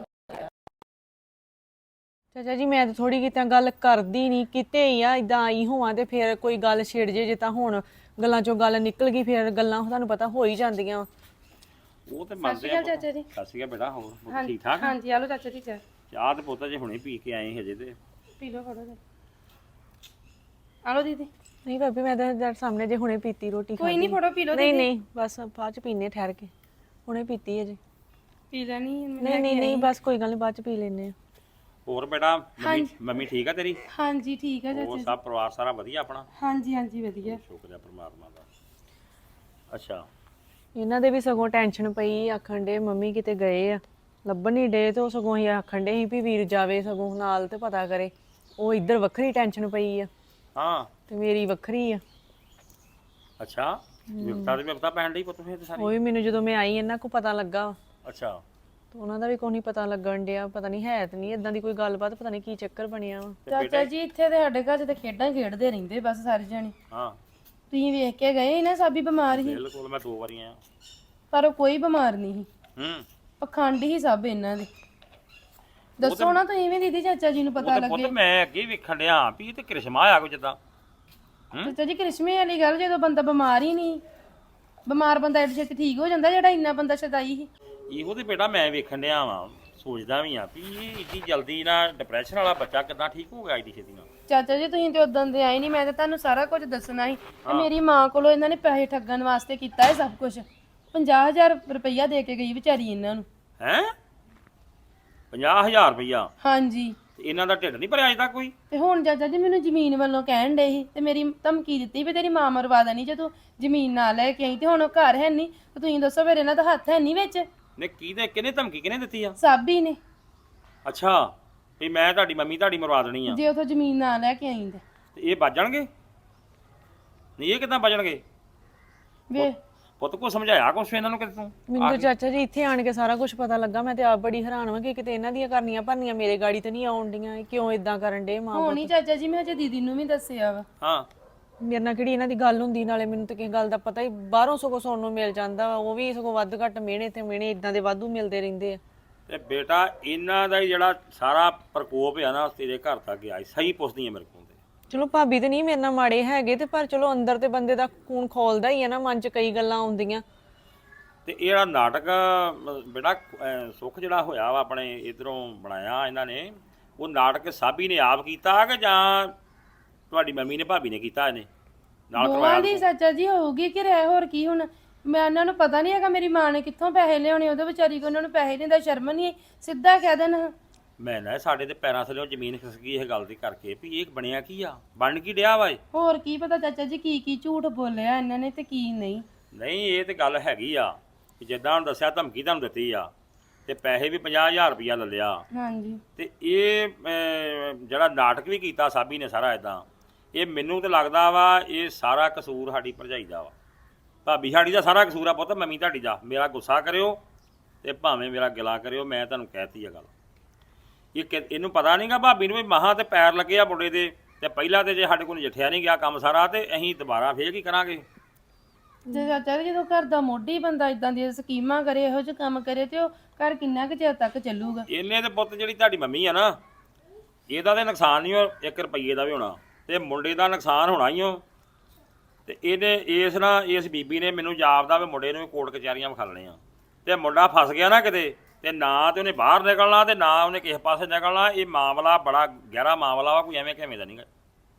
[SPEAKER 5] ਚਾਚਾ ਜੀ ਮੈਂ ਤਾਂ ਥੋੜੀ ਕਿਤੇ ਗੱਲ ਕਰਦੀ ਨਹੀਂ, ਕਿਤੇ ਹੀ ਆ ਇਦਾਂ ਆਈ ਹੋਵਾਂ ਤੇ ਫਿਰ ਕੋਈ ਗੱਲ ਛਿੜ ਜੇ, ਜੇ ਤਾਂ ਹੁਣ ਗੱਲਾਂ ਚੋਂ ਗੱਲ ਨਿਕਲ ਗਈ, ਫਿਰ ਗੱਲਾਂ ਤੁਹਾਨੂੰ ਪਤਾ ਹੋ ਹੀ ਜਾਂਦੀਆਂ।
[SPEAKER 4] ਉਹ ਤੇ ਮੰਨਦੇ ਆ
[SPEAKER 2] ਚਾਚਾ ਜੀ।
[SPEAKER 4] ਸਤਿ ਸ਼੍ਰੀ ਅਕਾਲ ਬੇਟਾ, ਹੋਰ ਠੀਕ ਠਾਕ?
[SPEAKER 2] ਹਾਂਜੀ, ਆਲੋ ਚਾਚਾ ਜੀ ਚਾਹ।
[SPEAKER 4] ਚਾਹ ਤੇ ਪੁੱਤ ਜੇ ਹੁਣੇ ਪੀ ਕੇ ਆਏ ਹਜੇ ਤੇ।
[SPEAKER 2] ਪੀ ਲਓ, ਫੜੋ। ਆਲੋ ਦੀਦੀ।
[SPEAKER 5] ਨਹੀਂ ਭਾਬੀ, ਮੈਂ ਤਾਂ ਸਾਹਮਣੇ ਜੇ ਹੁਣੇ ਪੀਤੀ ਰੋਟੀ
[SPEAKER 2] ਕੋਈ ਨਹੀਂ, ਫੜੋ ਪੀ ਲਓ।
[SPEAKER 5] ਨਹੀਂ ਬਸ ਬਾਅਦ ਚ ਪੀਨੇ ਠਹਿਰ ਕੇ, ਹੁਣੇ ਪੀਤੀ ਹੈ ਜੀ।
[SPEAKER 2] ਪੀ ਲੈਣੀ?
[SPEAKER 5] ਨਹੀਂ ਬਸ ਕੋਈ ਗੱਲ ਨਹੀਂ, ਬਾਅਦ ਚ ਪੀ ਲੈਨੇ ਆ।
[SPEAKER 4] ਹੋਰ ਬੇਟਾ ਮੰਮੀ ਠੀਕ ਆ ਤੇਰੀ?
[SPEAKER 2] ਹਾਂਜੀ ਠੀਕ ਆ
[SPEAKER 4] ਹੋਰ ਸਭ ਪਰਿਵਾਰ ਸਾਰਾ ਵਧੀਆ ਆਪਣਾ?
[SPEAKER 2] ਹਾਂਜੀ ਹਾਂਜੀ ਵਧੀਆ,
[SPEAKER 4] ਸ਼ੁਕਰ ਹੈ ਪਰਮਾਤਮਾ ਦਾ। ਅੱਛਾ,
[SPEAKER 5] ਇਹਨਾਂ ਦੇ ਵੀ ਸਗੋਂ ਟੈਨਸ਼ਨ ਪਈ, ਆਖਣ ਡੇ ਮੰਮੀ ਕਿਤੇ ਗਏ ਆ, ਲੱਭਣ ਨਹੀਂ ਡੇ, ਤੇ ਉਹ ਸਗੋਂ ਹੀ ਆਖਣ ਡੇ ਸੀ ਵੀ ਵੀਰ ਜਾਵੇ ਸਗੋਂ ਨਾਲ ਤੇ ਪਤਾ ਕਰੇ। ਉਹ ਇੱਧਰ ਵੱਖਰੀ ਟੈਨਸ਼ਨ ਪਈ ਆ,
[SPEAKER 4] ਹਾਂ,
[SPEAKER 5] ਤੇ ਮੇਰੀ ਵੱਖਰੀ ਆ।
[SPEAKER 4] ਅੱਛਾ, ਵਿਪਤਾ ਦੇ ਵਿਪਤਾ ਪੈਣ ਡਈ ਪੁੱਤ ਫੇਰ ਤੇ ਸਾਰੀ?
[SPEAKER 5] ਉਹ ਵੀ ਮੈਨੂੰ ਜਦੋਂ ਮੈਂ ਆਈ ਇਹਨਾਂ ਕੋ ਪਤਾ ਲੱਗਾ।
[SPEAKER 4] ਅੱਛਾ,
[SPEAKER 5] ਤੇ ਉਹਨਾਂ ਦਾ ਵੀ ਕੋਈ ਨਹੀਂ ਪਤਾ ਲੱਗਣ ਡਿਆ, ਪਤਾ ਨਹੀਂ ਹੈ ਤੇ ਨਹੀਂ ਇਦਾਂ ਦੀ ਕੋਈ ਗੱਲਬਾਤ, ਪਤਾ ਨਹੀਂ ਕੀ ਚੱਕਰ ਬਣਿਆ ਵਾ।
[SPEAKER 2] ਚਾਚਾ ਜੀ ਇੱਥੇ ਤੇ ਸਾਡੇ ਘਰ 'ਚ ਤੇ ਖੇਡਾਂ ਖੇਡਦੇ ਰਹਿੰਦੇ ਬਸ ਸਾਰੇ ਜਣੇ।
[SPEAKER 4] ਹਾਂ,
[SPEAKER 2] ਤੁਸੀਂ ਵੇਖ ਕੇ ਗਏ ਸੀ ਨਾ, ਸਾਬੀ ਬਿਮਾਰ ਸੀ,
[SPEAKER 4] ਬਿਲਕੁਲ ਮੈਂ 2 ਵਾਰੀ ਆਇਆ।
[SPEAKER 2] ਪਰ ਉਹ ਕੋਈ ਬਿਮਾਰ ਨਹੀਂ ਸੀ, ਪਖੰਡ ਹੀ ਸਭ ਇਹਨਾਂ ਦੇ। ਦੱਸੋ ਨਾ ਤੁਸੀਂ ਵੀ ਦੀਦੀ, ਚਾਚਾ ਜੀ ਨੂੰ ਪਤਾ ਲੱਗੇ।
[SPEAKER 4] ਪੁੱਤ ਮੈਂ ਅੱਗੇ ਵੇਖਣ ਡਿਆ ਵੀ ਇਹ ਤੇ ਕ੍ਰਿਸ਼ਮਾ ਆ ਕੋਈ ਜਿੱਦਾਂ।
[SPEAKER 2] ਚਾਚਾ ਜੀ ਕ੍ਰਿਸ਼ਮੇ ਵਾਲੀ ਗੱਲ, ਜਦੋਂ ਬੰਦਾ ਬਿਮਾਰ ਹੀ ਨਹੀਂ, ਬਿਮਾਰ ਬੰਦਾ ਐਡੀ ਛੇਤੀ ਠੀਕ ਹੋ ਜਾਂਦਾ, ਜਿਹੜਾ ਇੰਨਾ ਬੰਦਾ ਸ਼ਦਾਈ ਸੀ।
[SPEAKER 4] ਇਹੋ ਤੇ ਬੇਟਾ ਮੈਂ ਵੇਖਣ ਡਿਆ ਵਾਂ, ਸੋਚਦਾ ਵੀ ਆ ਵੀ ਇਹ ਇੱਡੀ ਜਲਦੀ ਨਾ ਡਿਪਰੈਸ਼ਨ ਵਾਲਾ ਬੱਚਾ ਕਿੱਦਾਂ ਠੀਕ ਹੋ ਗਿਆ ਇੱਡੀ ਛੇਤੀ ਨਾਲ।
[SPEAKER 2] ਚਾਚਾ ਜੀ ਤੁਸੀਂ ਤੇ ਉਦੋਂ ਦੇ ਆਏ ਨਹੀਂ, ਮੈਂ ਤੇ ਤੁਹਾਨੂੰ ਸਾਰਾ ਕੁਝ ਦੱਸਣਾ ਸੀ। ਤੇ ਮੇਰੀ ਮਾਂ ਕੋਲੋਂ ਇਹਨਾਂ ਨੇ ਪੈਸੇ ਠੱਗਣ ਵਾਸਤੇ ਕੀਤਾ ਹੈ ਸਭ ਕੁਝ। 50,000 ਰੁਪਈਆ ਦੇ ਕੇ ਗਈ ਵਿਚਾਰੀ ਇਹਨਾਂ ਨੂੰ।
[SPEAKER 4] ਹੈ 50,000 ਰੁਪਈਆ?
[SPEAKER 2] ਹਾਂਜੀ।
[SPEAKER 4] ਇਹਨਾਂ ਦਾ ਢਿੱਡ ਨਹੀਂ ਭਰਿਆ ਅਜੇ ਤੱਕ ਕੋਈ?
[SPEAKER 2] ਤੇ ਹੁਣ ਚਾਚਾ ਜੀ ਮੈਨੂੰ ਜ਼ਮੀਨ ਵੱਲੋਂ ਕਹਿਣ ਡੇ ਸੀ, ਤੇ ਮੇਰੀ ਧਮਕੀ ਦਿੱਤੀ ਵੀ ਤੇਰੀ ਮਾਂ ਮਰਵਾ ਦੇਣੀ ਜੇ ਤੂੰ ਜ਼ਮੀਨ ਨਾ ਲੈ ਕੇ ਆਈ। ਤੇ ਹੁਣ ਉਹ ਘਰ ਹੈ ਨਹੀਂ, ਤੇ ਤੁਸੀਂ ਦੱਸੋ ਫਿਰ ਇਹਨਾਂ ਦਾ ਹੱਥ ਹੈ ਨਹੀਂ ਵਿੱਚ?
[SPEAKER 4] ਨੇ ਕਿਹਨੇ ਧਮਕੀ ਕਿਹਨੇ ਦਿੱਤੀ ਆ?
[SPEAKER 2] ਸਾਬੀ ਨੇ।
[SPEAKER 4] ਅੱਛਾ, ਵੀ ਮੈਂ ਤੁਹਾਡੀ ਮੰਮੀ ਤੁਹਾਡੀ ਮਰਵਾ ਦੇਣੀ ਆ
[SPEAKER 2] ਜੇ ਉਥੋਂ ਜ਼ਮੀਨ ਨਾ ਲੈ ਕੇ ਆਈ ਤੇ
[SPEAKER 4] ਇਹ ਬਚ ਜਾਣਗੇ? ਨਹੀਂ, ਇਹ ਕਿੱਦਾਂ ਬਚਣਗੇ?
[SPEAKER 2] ਵੇ
[SPEAKER 4] ਪੁੱਤ ਕੋ ਸਮਝਾਇਆ ਕੁਛ ਇਹਨਾਂ ਨੂੰ ਕਿ ਤੂੰ
[SPEAKER 5] ਮੈਨੂੰ ਤਾਂ ਚਾਚਾ ਜੀ ਇੱਥੇ ਆਣ ਕੇ ਸਾਰਾ ਕੁਝ ਪਤਾ ਲੱਗਾ। ਮੈਂ ਤੇ ਆਪ ਬੜੀ ਹੈਰਾਨ ਹਾਂ ਕਿ ਕਿਤੇ ਇਹਨਾਂ ਦੀਆਂ ਕਰਨੀਆਂ ਭਰਨੀਆਂ ਮੇਰੇ ਗਾੜੀ ਤੇ ਨਹੀਂ ਆਉਣ ਡੀਆਂ। ਇਹ ਕਿਉਂ ਇਦਾਂ ਕਰਨ ਡੇ ਮਾਂ?
[SPEAKER 2] ਹੋਣੀ ਚਾਚਾ ਜੀ, ਮੈਂ ਅਜੇ ਦੀਦੀ ਨੂੰ ਵੀ ਦੱਸਿਆ ਵਾ।
[SPEAKER 4] ਹਾਂ
[SPEAKER 5] ਮੇਰੇ ਨਾਲ ਕਿਹੜੀ ਇਹਨਾਂ ਦੀ ਗੱਲ ਹੁੰਦੀ, ਨਾਲੇ ਮੈਨੂੰ ਤਾਂ ਕਿਸੇ ਗੱਲ ਦਾ ਪਤਾ ਹੀ ਬਾਹਰੋਂ ਸਗੋਂ ਸੁਣਨ ਨੂੰ ਮਿਲ ਜਾਂਦਾ ਵਾ। ਉਹ ਵੀ ਸਗੋਂ ਵੱਧ ਘੱਟ ਮਿਹਣੇ ਤੇ ਮਿਹਣੇ ਇਦਾਂ ਦੇ ਵਾਧੂ ਮਿਲਦੇ ਰਹਿੰਦੇ ਆ।
[SPEAKER 4] ਤੇ ਬੇਟਾ ਇਹਨਾਂ ਦਾ ਹੀ ਜਿਹੜਾ ਸਾਰਾ ਪ੍ਰਕੋਪ ਆ ਨਾ ਤੇਰੇ ਘਰ ਤੱਕ ਗਿਆ ਸਹੀ ਪੁੱਛਦੀ ਆ ਮੇਰੇ ਕੋਲ ਤੇ।
[SPEAKER 5] ਚਲੋ ਭਾਬੀ ਤੇ ਨਹੀਂ ਮੇਰੇ ਨਾਲ ਮਾੜੇ ਹੈਗੇ ਤੇ ਪਰ ਚਲੋ ਅੰਦਰ ਤੇ ਬੰਦੇ ਦਾ ਖੂਨ ਖੋਲਦਾ ਹੀ ਆ ਨਾ, ਮਨ 'ਚ ਕਈ ਗੱਲਾਂ ਆਉਂਦੀਆਂ।
[SPEAKER 4] ਤੇ ਇਹ ਜਿਹੜਾ ਨਾਟਕ ਬੇਟਾ ਸੁੱਖ ਜਿਹੜਾ ਹੋਇਆ ਵਾ ਆਪਣੇ ਇਧਰੋਂ ਬਣਾਇਆ ਇਹਨਾਂ ਨੇ, ਉਹ ਨਾਟਕ ਸਾਬੀ ਨੇ ਆਪ ਕੀਤਾ ਕਿ ਜਾਂ ਤੁਹਾਡੀ ਮੰਮੀ ਨੇ ਭਾਬੀ ਨੇ ਕੀਤਾ ਇਹਨੇ ਨਾਲ
[SPEAKER 2] ਦੋਵਾਂ
[SPEAKER 4] ਕਰਵਾਇਆ?
[SPEAKER 2] ਦੀ ਚਾਚਾ ਜੀ ਹੋਊਗੀ ਕਿ ਰਹਿ ਹੋਰ ਕੀ ਹੁਣ। ਮੈਂ ਉਹਨਾਂ ਨੂੰ ਪਤਾ ਨਹੀਂ ਹੈਗਾ ਮੇਰੀ ਮਾਂ ਨੇ ਕਿੱਥੋਂ ਪੈਸੇ ਲਿਆਉਣੇ, ਉਹਦੇ ਵਿਚਾਰੀ ਕੋ ਉਹਨਾਂ ਨੂੰ ਪੈਸੇ ਨਹੀਂ ਦਾ ਸ਼ਰਮ ਨਹੀਂ, ਸਿੱਧਾ ਕਹਿ ਦੇਣ।
[SPEAKER 4] ਮੈਂ ਨਾ ਸਾਡੇ ਤੇ ਪੈਰਾਂ ਥੱਲੇ ਜ਼ਮੀਨ ਖਿਸਕ ਗਈ ਇਹ ਗੱਲ ਦੀ ਕਰਕੇ ਵੀ ਇਹ ਬਣਿਆ ਕੀ ਆ, ਬਣ ਕੀ ਡਿਆ ਵਾ ਇਹ?
[SPEAKER 2] ਹੋਰ ਕੀ ਪਤਾ ਚਾਚਾ ਜੀ ਕੀ ਕੀ ਝੂਠ ਬੋਲਿਆ ਇਹਨਾਂ ਨੇ ਤੇ ਕੀ ਨਹੀਂ।
[SPEAKER 4] ਨਹੀਂ ਇਹ ਤੇ ਗੱਲ ਹੈਗੀ ਆ ਕਿ ਜਿੱਦਾਂ ਹੁਣ ਦੱਸਿਆ ਧਮਕੀ ਤੁਹਾਨੂੰ ਦਿੱਤੀ ਆ ਤੇ ਪੈਸੇ ਵੀ 50,000 ਰੁਪਇਆ ਲੈ ਲਿਆ।
[SPEAKER 2] ਹਾਂਜੀ
[SPEAKER 4] ਤੇ ਇਹ ਜਿਹੜਾ ਨਾਟਕ ਵੀ ਕੀਤਾ ਸਾਬੀ ਨੇ ਸਾਰਾ ਇਦਾਂ, ਇਹ ਮੈਨੂੰ ਤੇ ਲੱਗਦਾ ਵਾ ਇਹ ਸਾਰਾ ਕਸੂਰ ਸਾਡੀ ਭਰਜਾਈ ਦਾ ਵਾ। ਭਾਬੀ ਸਾਡੀ ਦਾ ਸਾਰਾ ਕਸੂਰ ਆ ਪੁੱਤ, ਮੰਮੀ ਤੁਹਾਡੀ ਦਾ। ਮੇਰਾ ਗੁੱਸਾ ਕਰਿਓ ਤੇ ਭਾਵੇਂ ਮੇਰਾ ਗਿਲਾ ਕਰਿਓ, ਮੈਂ ਤੁਹਾਨੂੰ ਕਹਿਤੀ ਆ ਗੱਲ। ਇਹਨੂੰ ਪਤਾ ਨਹੀਂਗਾ ਭਾਬੀ ਨੂੰ ਵੀ ਮਹਾਂ ਤੇ ਪੈਰ ਲੱਗੇ ਆ ਮੁੰਡੇ ਦੇ, ਤੇ ਪਹਿਲਾਂ ਤੇ ਜੇ ਸਾਡੇ ਕੋਲ ਨਜਿੱਠਿਆ ਨਹੀਂ ਗਿਆ ਕੰਮ ਸਾਰਾ ਤੇ ਅਸੀਂ ਦੁਬਾਰਾ ਫੇਰ ਕੀ ਕਰਾਂਗੇ?
[SPEAKER 2] ਜੇ ਚਾਚਾ ਜੀ ਜਦੋਂ ਘਰ ਦਾ ਮੋਢੀ ਬੰਦਾ ਇਦਾਂ ਦੀਆਂ ਸਕੀਮਾਂ ਕਰੇ, ਇਹੋ ਜਿਹੇ ਕੰਮ ਕਰੇ ਤੇ ਉਹ ਘਰ ਕਿੰਨਾ ਕੁ ਚਿਰ ਤੱਕ ਚੱਲੂਗਾ?
[SPEAKER 4] ਇਹਨੇ ਤੇ ਪੁੱਤ ਜਿਹੜੀ ਤੁਹਾਡੀ ਮੰਮੀ ਆ ਨਾ, ਇਹਦਾ ਤੇ ਨੁਕਸਾਨ ਨਹੀਂ ਉਹ 1 ਰੁਪਈਏ ਦਾ ਵੀ ਹੋਣਾ, ਤੇ ਮੁੰਡੇ ਦਾ ਨੁਕਸਾਨ ਹੋਣਾ ਹੀ ਉਹ। ਤੇ ਇਹਨੇ ਇਸ ਬੀਬੀ ਨੇ ਮੈਨੂੰ ਜਾਪਦਾ ਵੀ ਮੁੰਡੇ ਨੂੰ ਵੀ ਕੋਰਟ ਕਚਹਿਰੀਆਂ ਵਿਖਾਲਣੀਆਂ, ਤੇ ਮੁੰਡਾ ਫਸ ਗਿਆ ਨਾ ਕਿਤੇ, ਤੇ ਨਾ ਤੇ ਉਹਨੇ ਬਾਹਰ ਨਿਕਲਣਾ ਤੇ ਨਾ ਉਹਨੇ ਕਿਸੇ ਪਾਸੇ ਨਿਕਲਣਾ। ਇਹ ਮਾਮਲਾ ਬੜਾ ਗਹਿਰਾ ਮਾਮਲਾ ਵਾ, ਕੋਈ ਐਵੇਂ ਕਿਵੇਂ ਦਾ ਨਹੀਂਗਾ।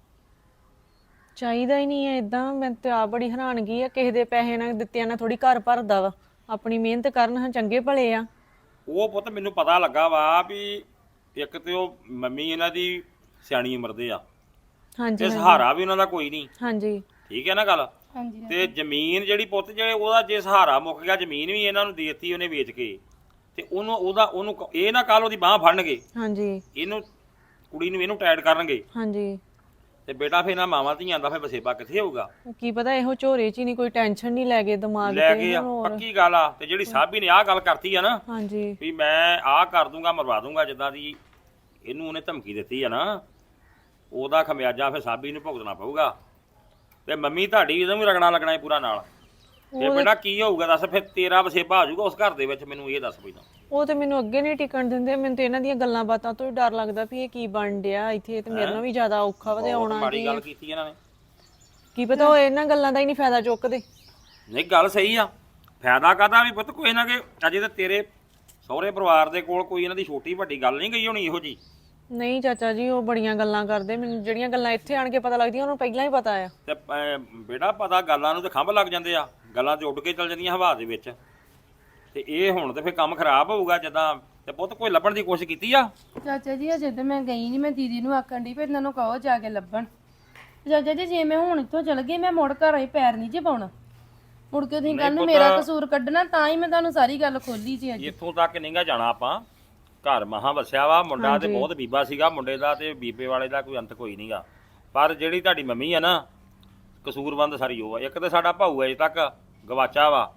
[SPEAKER 5] ਚਾਹੀਦਾ ਹੀ ਨਹੀਂ ਹੈ ਇਦਾਂ। ਮੈਂ ਤੇ ਆਪ ਬੜੀ ਹੈਰਾਨਗੀ ਆ, ਕਿਸੇ ਦੇ ਪੈਸੇ ਨਾਲ ਦਿੱਤਿਆਂ ਨਾਲ ਥੋੜੀ ਘਰ ਭਰਦਾ ਵਾ। ਆਪਣੀ ਮਿਹਨਤ ਕਰਨ ਹਾਂ, ਚੰਗੇ ਭਲੇ ਆ।
[SPEAKER 4] ਉਹ ਪੁੱਤ ਮੈਨੂੰ ਪਤਾ ਲੱਗਾ ਵਾ ਵੀ ਇੱਕ ਤੇ ਉਹ ਮੰਮੀ ਇਹਨਾਂ ਦੀ ਸਿਆਣੀ ਉਮਰ ਦੇ ਆ,
[SPEAKER 5] ਹਾਂਜੀ
[SPEAKER 4] ਤੇ ਸਹਾਰਾ ਵੀ ਉਹਨਾਂ ਦਾ ਕੋਈ ਨਹੀਂ।
[SPEAKER 5] ਹਾਂਜੀ
[SPEAKER 4] ਠੀਕ ਹੈ ਨਾ ਗੱਲ?
[SPEAKER 2] ਹਾਂਜੀ
[SPEAKER 4] ਤੇ ਜ਼ਮੀਨ ਜਿਹੜੀ ਪੁੱਤ ਜਿਹੜੇ ਉਹਦਾ ਜੇ ਸਹਾਰਾ ਮੁੱਕ ਗਿਆ, ਜ਼ਮੀਨ ਵੀ ਇਹਨਾਂ ਨੂੰ ਦੇ ਦਿੱਤੀ ਉਹਨੇ ਵੇਚ ਕੇ, ਤੇ ਉਹਨੂੰ ਇਹ ਨਾ ਕੱਲ ਉਹਦੀ ਬਾਹ ਫੜਨਗੇ,
[SPEAKER 5] ਹਾਂਜੀ
[SPEAKER 4] ਇਹਨੂੰ ਕੁੜੀ ਨੂੰ ਇਹਨੂੰ ਟਾਈਟ ਕਰਨਗੇ,
[SPEAKER 5] ਹਾਂਜੀ।
[SPEAKER 4] ਤੇ ਬੇਟਾ ਫਿਰ ਨਾ ਮਾਵਾਂ ਧੀਆਂ ਦਾ ਫਿਰ ਵਸੇਬਾ ਕਿੱਥੇ ਹੋਊਗਾ?
[SPEAKER 5] ਉਹ ਕੀ ਪਤਾ ਇਹੋ ਝੋਰੇ 'ਚ ਹੀ ਨਹੀਂ ਕੋਈ ਟੈਨਸ਼ਨ ਨਹੀਂ ਲੈ ਗਏ ਦਿਮਾਗ
[SPEAKER 4] ਲੈ
[SPEAKER 5] ਤੇ
[SPEAKER 4] ਗਏ ਆ,
[SPEAKER 5] ਹੋਰ।
[SPEAKER 4] ਪੱਕੀ ਗੱਲ ਆ। ਤੇ ਜਿਹੜੀ ਸਾਬੀ ਨੇ ਆਹ ਗੱਲ ਕਰਤੀ ਆ ਨਾ
[SPEAKER 5] ਹਾਂਜੀ
[SPEAKER 4] ਵੀ ਮੈਂ ਆਹ ਕਰ ਦੂੰਗਾ, ਮਰਵਾ ਦੂੰਗਾ, ਜਿੱਦਾਂ ਦੀ ਇਹਨੂੰ ਉਹਨੇ ਧਮਕੀ ਦਿੱਤੀ ਆ ਨਾ, ਉਹਦਾ ਖਮਿਆਜਾ ਫਿਰ ਸਾਬੀ ਨੂੰ ਭੁਗਤਣਾ ਪਊਗਾ। ਤੇ ਮੰਮੀ ਤੁਹਾਡੀ ਇਹਦਾ ਵੀ ਰਗਣਾ ਲੱਗਣਾ ਹੈ ਪੂਰਾ ਨਾਲ। ਤੇ ਬੇਟਾ ਕੀ ਹੋਊਗਾ ਦੱਸ? ਫਿਰ ਤੇਰਾ ਵਸੇਬਾ ਹੋ ਜਾਊਗਾ ਉਸ ਘਰ ਦੇ ਵਿੱਚ, ਮੈਨੂੰ ਇਹ ਦੱਸ ਪਹਿਲਾਂ।
[SPEAKER 5] ਉਹ ਤੇ ਮੈਨੂੰ ਅੱਗੇ ਨਹੀਂ ਟਿਕਣ ਦਿੰਦੇ। ਮੈਨੂੰ ਤੇ ਇਹਨਾਂ ਦੀਆਂ ਗੱਲਾਂ ਬਾਤਾਂ ਤੋਂ ਹੀ ਡਰ ਲੱਗਦਾ ਵੀ ਇਹ ਕੀ ਬਣ ਡਿਆ ਇੱਥੇ, ਤੇ ਮੇਰੇ ਨਾਲ ਵੀ ਜ਼ਿਆਦਾ ਔਖਾ ਵਾ ਤੇ
[SPEAKER 4] ਬਹੁਤ
[SPEAKER 5] ਆਉਣਾ
[SPEAKER 4] ਮਾੜੀ ਗੱਲ ਕੀਤੀ ਇਹਨਾਂ ਨੇ।
[SPEAKER 5] ਕੀ ਪਤਾ ਉਹ ਇਹਨਾਂ ਗੱਲਾਂ ਦਾ ਹੀ ਨਹੀਂ ਫਾਇਦਾ ਚੁੱਕਦੇ।
[SPEAKER 4] ਨਹੀਂ ਗੱਲ ਸਹੀ ਆ, ਫਾਇਦਾ ਕਾਹਦਾ ਵੀ ਪੁੱਤ ਕੋਈ ਨਾ ਕਿ ਅਜੇ ਤਾਂ ਤੇਰੇ ਸਹੁਰੇ ਪਰਿਵਾਰ ਦੇ ਕੋਲ ਕੋਈ ਇਹਨਾਂ ਦੀ ਛੋਟੀ ਵੱਡੀ ਗੱਲ ਨਹੀਂ ਗਈ ਹੋਣੀ ਇਹੋ ਜੀ।
[SPEAKER 5] ਨਹੀਂ ਚਾਚਾ ਜੀ, ਉਹ ਬੜੀਆਂ ਗੱਲਾਂ ਕਰਦੇ। ਮੈਨੂੰ ਜਿਹੜੀਆਂ ਗੱਲਾਂ ਇੱਥੇ ਆਣ ਕੇ ਪਤਾ ਲੱਗਦੀਆਂ ਉਹਨੂੰ ਪਹਿਲਾਂ ਹੀ ਪਤਾ ਆ।
[SPEAKER 4] ਤੇ ਬੇਟਾ ਪਤਾ ਗੱਲਾਂ ਨੂੰ ਤੇ ਖੰਭ ਲੱਗ ਜਾਂਦੇ ਆ, ਗੱਲਾਂ ਤੇ ਉੱਡ ਕੇ ਚੱਲ ਜਾਂਦੀਆਂ ਹਵਾ ਦੇ ਵਿੱਚ। ਤੇ ਇਹ ਹੁਣ ਤੇ ਫਿਰ ਕੰਮ ਖਰਾਬ ਹੋਊਗਾ ਜਦਾਂ। ਤੇ ਪੁੱਤ ਕੋਈ ਲੱਭਣ ਦੀ ਕੋਸ਼ਿਸ਼ ਕੀਤੀ ਆ?
[SPEAKER 2] ਚਾਚਾ ਜੀ ਅਜੇ ਤਾਂ ਮੈਂ ਗਈ ਨਹੀਂ, ਮੈਂ ਦੀਦੀ ਨੂੰ ਆਖਣ ਦੀ ਫਿਰ ਇਹਨਾਂ ਨੂੰ ਕਹੋ ਜਾ ਕੇ ਲੱਭਣ। ਚਾਚਾ ਜੀ ਜੇ ਮੈਂ ਹੁਣ ਇੱਥੋਂ ਚਲ ਗਈ, ਮੈਂ ਮੁੜ ਘਰ ਆਈ ਪੈਰ ਨਹੀਂ ਜੇ ਪਾਉਣਾ। ਮੁੜ ਕੇ ਤੁਸੀਂ ਕੱਲ ਨੂੰ ਮੇਰਾ ਕਸੂਰ ਕੱਢਣਾ, ਤਾਂ ਹੀ ਮੈਂ ਤੁਹਾਨੂੰ ਸਾਰੀ ਗੱਲ ਖੋਲੀ ਸੀ ਅੱਜ।
[SPEAKER 4] ਇੱਥੋਂ ਤੱਕ ਨਹੀਂਗਾ ਜਾਣਾ ਆਪਾਂ। ਘਰ ਮਹਾਂ ਵਸਿਆ ਵਾ, ਮੁੰਡਾ ਤੇ ਬਹੁਤ ਬੀਬਾ ਸੀਗਾ, ਮੁੰਡੇ ਦਾ ਤੇ ਬੀਬੇ ਵਾਲੇ ਦਾ ਕੋਈ ਅੰਤ ਕੋਈ ਨਹੀਂਗਾ। ਪਰ ਜਿਹੜੀ ਤੁਹਾਡੀ ਮੰਮੀ ਆ ਨਾ, ਕਸੂਰਬੰਦ ਸਾਰੀ ਉਹ ਆ। ਇੱਕ ਤੇ ਸਾਡਾ ਭਾਊ ਅਜੇ ਤੱਕ ਗਵਾਚਾ ਵਾ,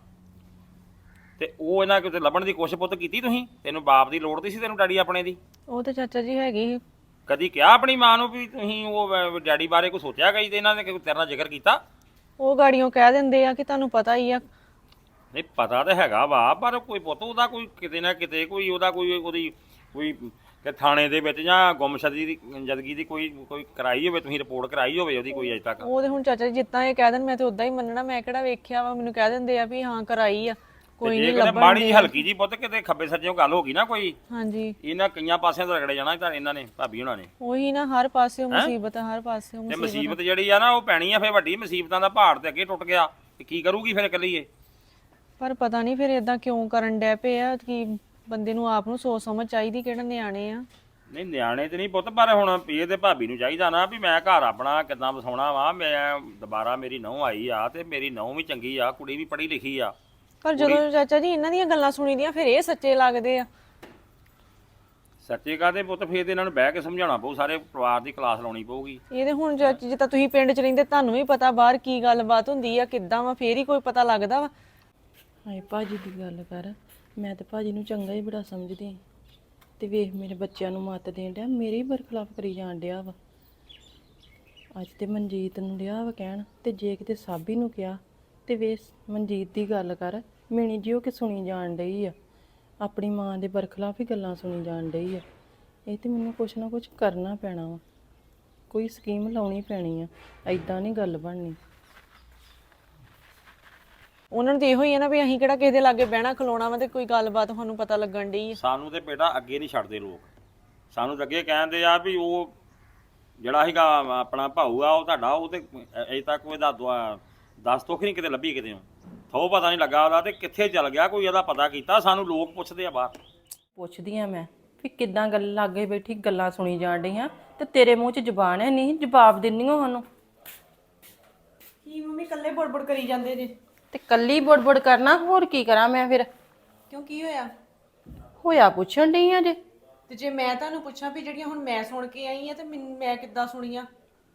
[SPEAKER 4] ਤੇ ਉਹ ਇਹਨਾਂ ਕਿਤੇ ਲੱਭਣ ਦੀ ਕੋਸ਼ਿਸ਼ ਪੁੱਤ ਕੀਤੀ ਤੁਸੀਂ? ਤੈਨੂੰ ਬਾਪ ਦੀ ਲੋੜ ਨਹੀਂ ਸੀ ਤੈਨੂੰ ਡੈਡੀ ਆਪਣੇ ਦੀ?
[SPEAKER 5] ਉਹ ਤੇ ਚਾਚਾ ਜੀ ਹੈਗੀ ਸੀ।
[SPEAKER 4] ਕਦੀ ਕਿਹਾ ਆਪਣੀ ਮਾਂ ਨੂੰ ਵੀ ਤੁਸੀਂ ਉਹ ਡੈਡੀ ਬਾਰੇ ਕੋਈ ਸੋਚਿਆ ਕਈ ਤੇ ਇਹਨਾਂ ਨੇ ਤੇਰੇ ਨਾਲ ਜ਼ਿਕਰ ਕੀਤਾ?
[SPEAKER 5] ਉਹ ਗਾੜੀਆਂ ਕਹਿ ਦਿੰਦੇ ਆ ਕਿ ਤੁਹਾਨੂੰ ਪਤਾ ਹੀ ਆ।
[SPEAKER 4] ਨਹੀਂ ਪਤਾ ਤਾਂ ਹੈਗਾ ਵਾ, ਪਰ ਕੋਈ ਪੁੱਤ ਉਹਦਾ ਕੋਈ ਕਿਤੇ ਨਾ ਕਿਤੇ ਕੋਈ ਉਹਦਾ ਉਹਦੀ ਕਿ ਥਾਣੇ ਦੇ ਵਿੱਚ ਜਾਂ ਗੁੰਮਸ਼ੁਦਗੀ ਦੀ ਕੋਈ ਕਰਾਈ ਹੋਵੇ, ਤੁਸੀਂ ਰਿਪੋਰਟ ਕਰਾਈ ਹੋਵੇ ਉਹਦੀ ਕੋਈ ਅਜੇ ਤੱਕ?
[SPEAKER 5] ਉਹ ਤੇ ਹੁਣ ਚਾਚਾ ਜੀ ਜਿੱਦਾਂ ਇਹ ਕਹਿ ਦੇਣ ਮੈਂ ਤੇ ਉਦਾਂ ਹੀ ਮੰਨਣਾ। ਮੈਂ ਕਿਹੜਾ ਵੇਖਿਆ ਵਾ? ਮੈਨੂੰ ਕਹਿ ਦਿੰਦੇ ਆ ਵੀ ਹਾਂ ਕਰਾਈ ਆ, ਕੋਈ ਨਹੀਂ ਲੱਭਣ।
[SPEAKER 4] ਮਾੜੀ ਜਿਹੀ ਹਲਕੀ ਜੀ ਪੁੱਤ ਕਿਤੇ ਖੱਬੇ ਸੱਜਿਓਂ ਗੱਲ ਹੋ ਗਈ ਨਾ ਕੋਈ,
[SPEAKER 5] ਹਾਂਜੀ
[SPEAKER 4] ਇਹਨਾਂ ਕਈਆਂ ਪਾਸਿਆਂ ਤੋਂ ਰਗੜੇ ਜਾਣਾ ਤਾਂ ਇਹਨਾਂ ਨੇ ਭਾਬੀ ਹੁਣਾਂ ਨੇ।
[SPEAKER 5] ਉਹੀ ਨਾ, ਹਰ ਪਾਸੇ ਮੁਸੀਬਤ ਆ, ਹਰ ਪਾਸੇ
[SPEAKER 4] ਤੇ ਮੁਸੀਬਤ ਜਿਹੜੀ ਆ ਨਾ ਉਹ ਪੈਣੀ ਆ ਫਿਰ ਵੱਡੀ। ਮੁਸੀਬਤਾਂ ਦਾ ਪਹਾੜ ਤੇ ਅੱਗੇ ਟੁੱਟ ਗਿਆ ਤੇ ਕੀ ਕਰੂਗੀ ਫਿਰ ਇਕੱਲੀ ਇਹ?
[SPEAKER 5] ਪਰ ਪਤਾ ਨਹੀਂ ਫਿਰ ਇਦਾਂ ਕਿਉਂ ਕਰਨ ਡੈ ਪਏ ਆ। ਕਿ ਬੰਦੇ ਨੂੰ ਆਪ ਨੂੰ ਸੋਚ ਸਮਝ ਚਾਹੀਦੀ, ਕਿਹੜਾ ਨਿਆਣੇ ਆ।
[SPEAKER 4] ਨਹੀਂ ਨਿਆਣੇ ਤੇ ਨਹੀਂ ਪੁੱਤ, ਪਰ ਹੁਣ ਇਹ ਤੇ ਭਾਬੀ ਨੂੰ ਚਾਹੀਦਾ ਨਾ ਵੀ ਮੈਂ ਘਰ ਆਪਣਾ ਕਿੱਦਾਂ ਵਸਾਉਣਾ ਵਾ। ਮੈਂ ਦੁਬਾਰਾ ਮੇਰੀ ਨੂੰਹ ਆਈ ਆ, ਤੇ ਮੇਰੀ ਨੂੰਹ ਵੀ ਚੰਗੀ ਆ, ਕੁੜੀ ਵੀ ਪੜ੍ਹੀ ਲਿਖੀ ਆ।
[SPEAKER 5] ਪਰ ਜਦੋਂ ਚਾਚਾ ਜੀ ਇਹਨਾਂ ਦੀਆਂ ਗੱਲਾਂ ਸੁਣੀ ਦੀਆਂ ਫਿਰ ਇਹ ਸੱਚੇ ਲੱਗਦੇ ਆ।
[SPEAKER 4] ਸੱਚੇ ਕਾਹਦੇ ਪੁੱਤ ਫੇਰ ਤੇ ਇਹਨਾਂ ਨੂੰ ਬਹਿ ਕੇ ਸਮਝਾਉਣਾ ਪਊ, ਸਾਰੇ ਪਰਿਵਾਰ ਦੀ ਕਲਾਸ ਲਾਉਣੀ ਪਊਗੀ।
[SPEAKER 5] ਇਹ ਤੇ ਹੁਣ ਚਾਚੀ ਜੀ ਤਾਂ ਤੁਸੀਂ ਪਿੰਡ 'ਚ ਰਹਿੰਦੇ, ਤੁਹਾਨੂੰ ਵੀ ਪਤਾ ਬਾਹਰ ਕੀ ਗੱਲਬਾਤ ਹੁੰਦੀ ਆ ਕਿੱਦਾਂ ਵਾ, ਫੇਰ ਹੀ ਕੋਈ ਪਤਾ ਲੱਗਦਾ ਵਾ।
[SPEAKER 3] ਹਾਏ ਭਾਜੀ ਦੀ ਗੱਲ ਕਰ, ਮੈਂ ਤੇ ਭਾਜੀ ਨੂੰ ਚੰਗਾ ਹੀ ਬੜਾ ਸਮਝਦੀ ਆਂ। ਤੇ ਵੇਖ ਮੇਰੇ ਬੱਚਿਆਂ ਨੂੰ ਮੱਤ ਦੇਣ ਡਿਆ, ਮੇਰੇ ਹੀ ਬਰਖਲਾਫ ਕਰੀ ਜਾਣ ਡਿਆ ਵਾ। ਅੱਜ ਤੇ ਮਨਜੀਤ ਨੂੰ ਡਿਆ ਵਾ ਕਹਿਣ, ਤੇ ਜੇ ਕਿਤੇ ਸਾਬੀ ਨੂੰ ਕਿਹਾ ਤੇ ਵੇਖ ਮਨਜੀਤ ਦੀ ਗੱਲ ਕਰ, ਮਿਣੀ ਜਿਉ ਕਿ ਸੁਣੀ ਜਾਣ ਡਈ ਆ, ਆਪਣੀ ਮਾਂ ਦੇ ਬਰਖਲਾਫ ਹੀ ਗੱਲਾਂ ਸੁਣੀ ਜਾਣ ਡਈ ਆ। ਇਹ ਤੇ ਮੈਨੂੰ ਕੁਛ ਨਾ ਕੁਛ ਕਰਨਾ ਪੈਣਾ ਵਾ, ਕੋਈ ਸਕੀਮ ਲਾਉਣੀ ਪੈਣੀ ਆ, ਐਦਾਂ ਨਹੀਂ ਗੱਲ ਬਣਨੀ।
[SPEAKER 5] ਉਹਨਾਂ ਨੂੰ ਤੇ ਇਹੋ ਹੀ ਆ ਨਾ ਵੀ ਅਸੀਂ ਕਿਹੜਾ ਕਿਸੇ ਦੇ ਲਾਗੇ ਬਹਿਣਾ ਖਲੋਣਾ ਵਾ ਤੇ ਕੋਈ ਗੱਲਬਾਤ ਤੁਹਾਨੂੰ ਪਤਾ ਲੱਗਣ ਡਈ ਆ।
[SPEAKER 4] ਸਾਨੂੰ ਤੇ ਬੇਟਾ ਅੱਗੇ ਨਹੀਂ ਛੱਡਦੇ ਲੋਕ, ਸਾਨੂੰ ਤਾਂ ਅੱਗੇ ਕਹਿੰਦੇ ਆ ਵੀ ਉਹ ਜਿਹੜਾ ਸੀਗਾ ਆਪਣਾ ਭਾਊ ਆ ਉਹ ਤੁਹਾਡਾ, ਉਹ ਤੇ ਅਜੇ ਤੱਕ ਉਹਦਾ ਦੱਸ ਤੋਖ ਨਹੀਂ ਕਿਤੇ ਲੱਭੀ ਕਿਤੇ ਥੋ ਪਤਾ ਨਹੀਂ ਲੱਗਾ ਉਹਦਾ ਤੇ ਕਿੱਥੇ ਚੱਲ ਗਿਆ, ਕੋਈ ਇਹਦਾ ਪਤਾ ਕੀਤਾ। ਸਾਨੂੰ ਲੋਕ ਪੁੱਛਦੇ ਆ ਬਾਹਰ।
[SPEAKER 3] ਪੁੱਛਦੀ ਆ ਮੈਂ ਵੀ ਕਿੱਦਾਂ ਗੱਲ ਲਾਗੇ ਬੈਠੀ ਗੱਲਾਂ ਸੁਣੀ ਜਾਣ ਡਈਆਂ ਤੇ ਤੇਰੇ ਮੂੰਹ 'ਚ ਜ਼ਬਾਨ ਹੈ ਨਹੀਂ, ਜਵਾਬ ਦਿੰਨੀ ਹੋ ਸਾਨੂੰ।
[SPEAKER 5] ਕੀ ਮੰਮੀ ਇਕੱਲੇ ਬੜਬੜ ਕਰੀ ਜਾਂਦੇ ਜੇ?
[SPEAKER 3] ਤੇ ਕੱਲੀ ਬੁੜਬੁੜ ਕਰਨਾ, ਹੋਰ ਕੀ ਕਰਾਂ ਮੈਂ ਫਿਰ?
[SPEAKER 5] ਕਿਉਂ ਕੀ ਹੋਇਆ?
[SPEAKER 3] ਹੋਇਆ ਪੁੱਛਣ ਡਈ ਆ ਜੇ।
[SPEAKER 5] ਤੇ ਜੇ ਮੈਂ ਤੁਹਾਨੂੰ ਪੁੱਛਾਂ ਵੀ ਜਿਹੜੀਆਂ ਹੁਣ ਮੈਂ ਸੁਣ ਕੇ ਆਈ ਆ ਤੇ ਮੈਂ ਕਿੱਦਾਂ ਸੁਣੀਆਂ?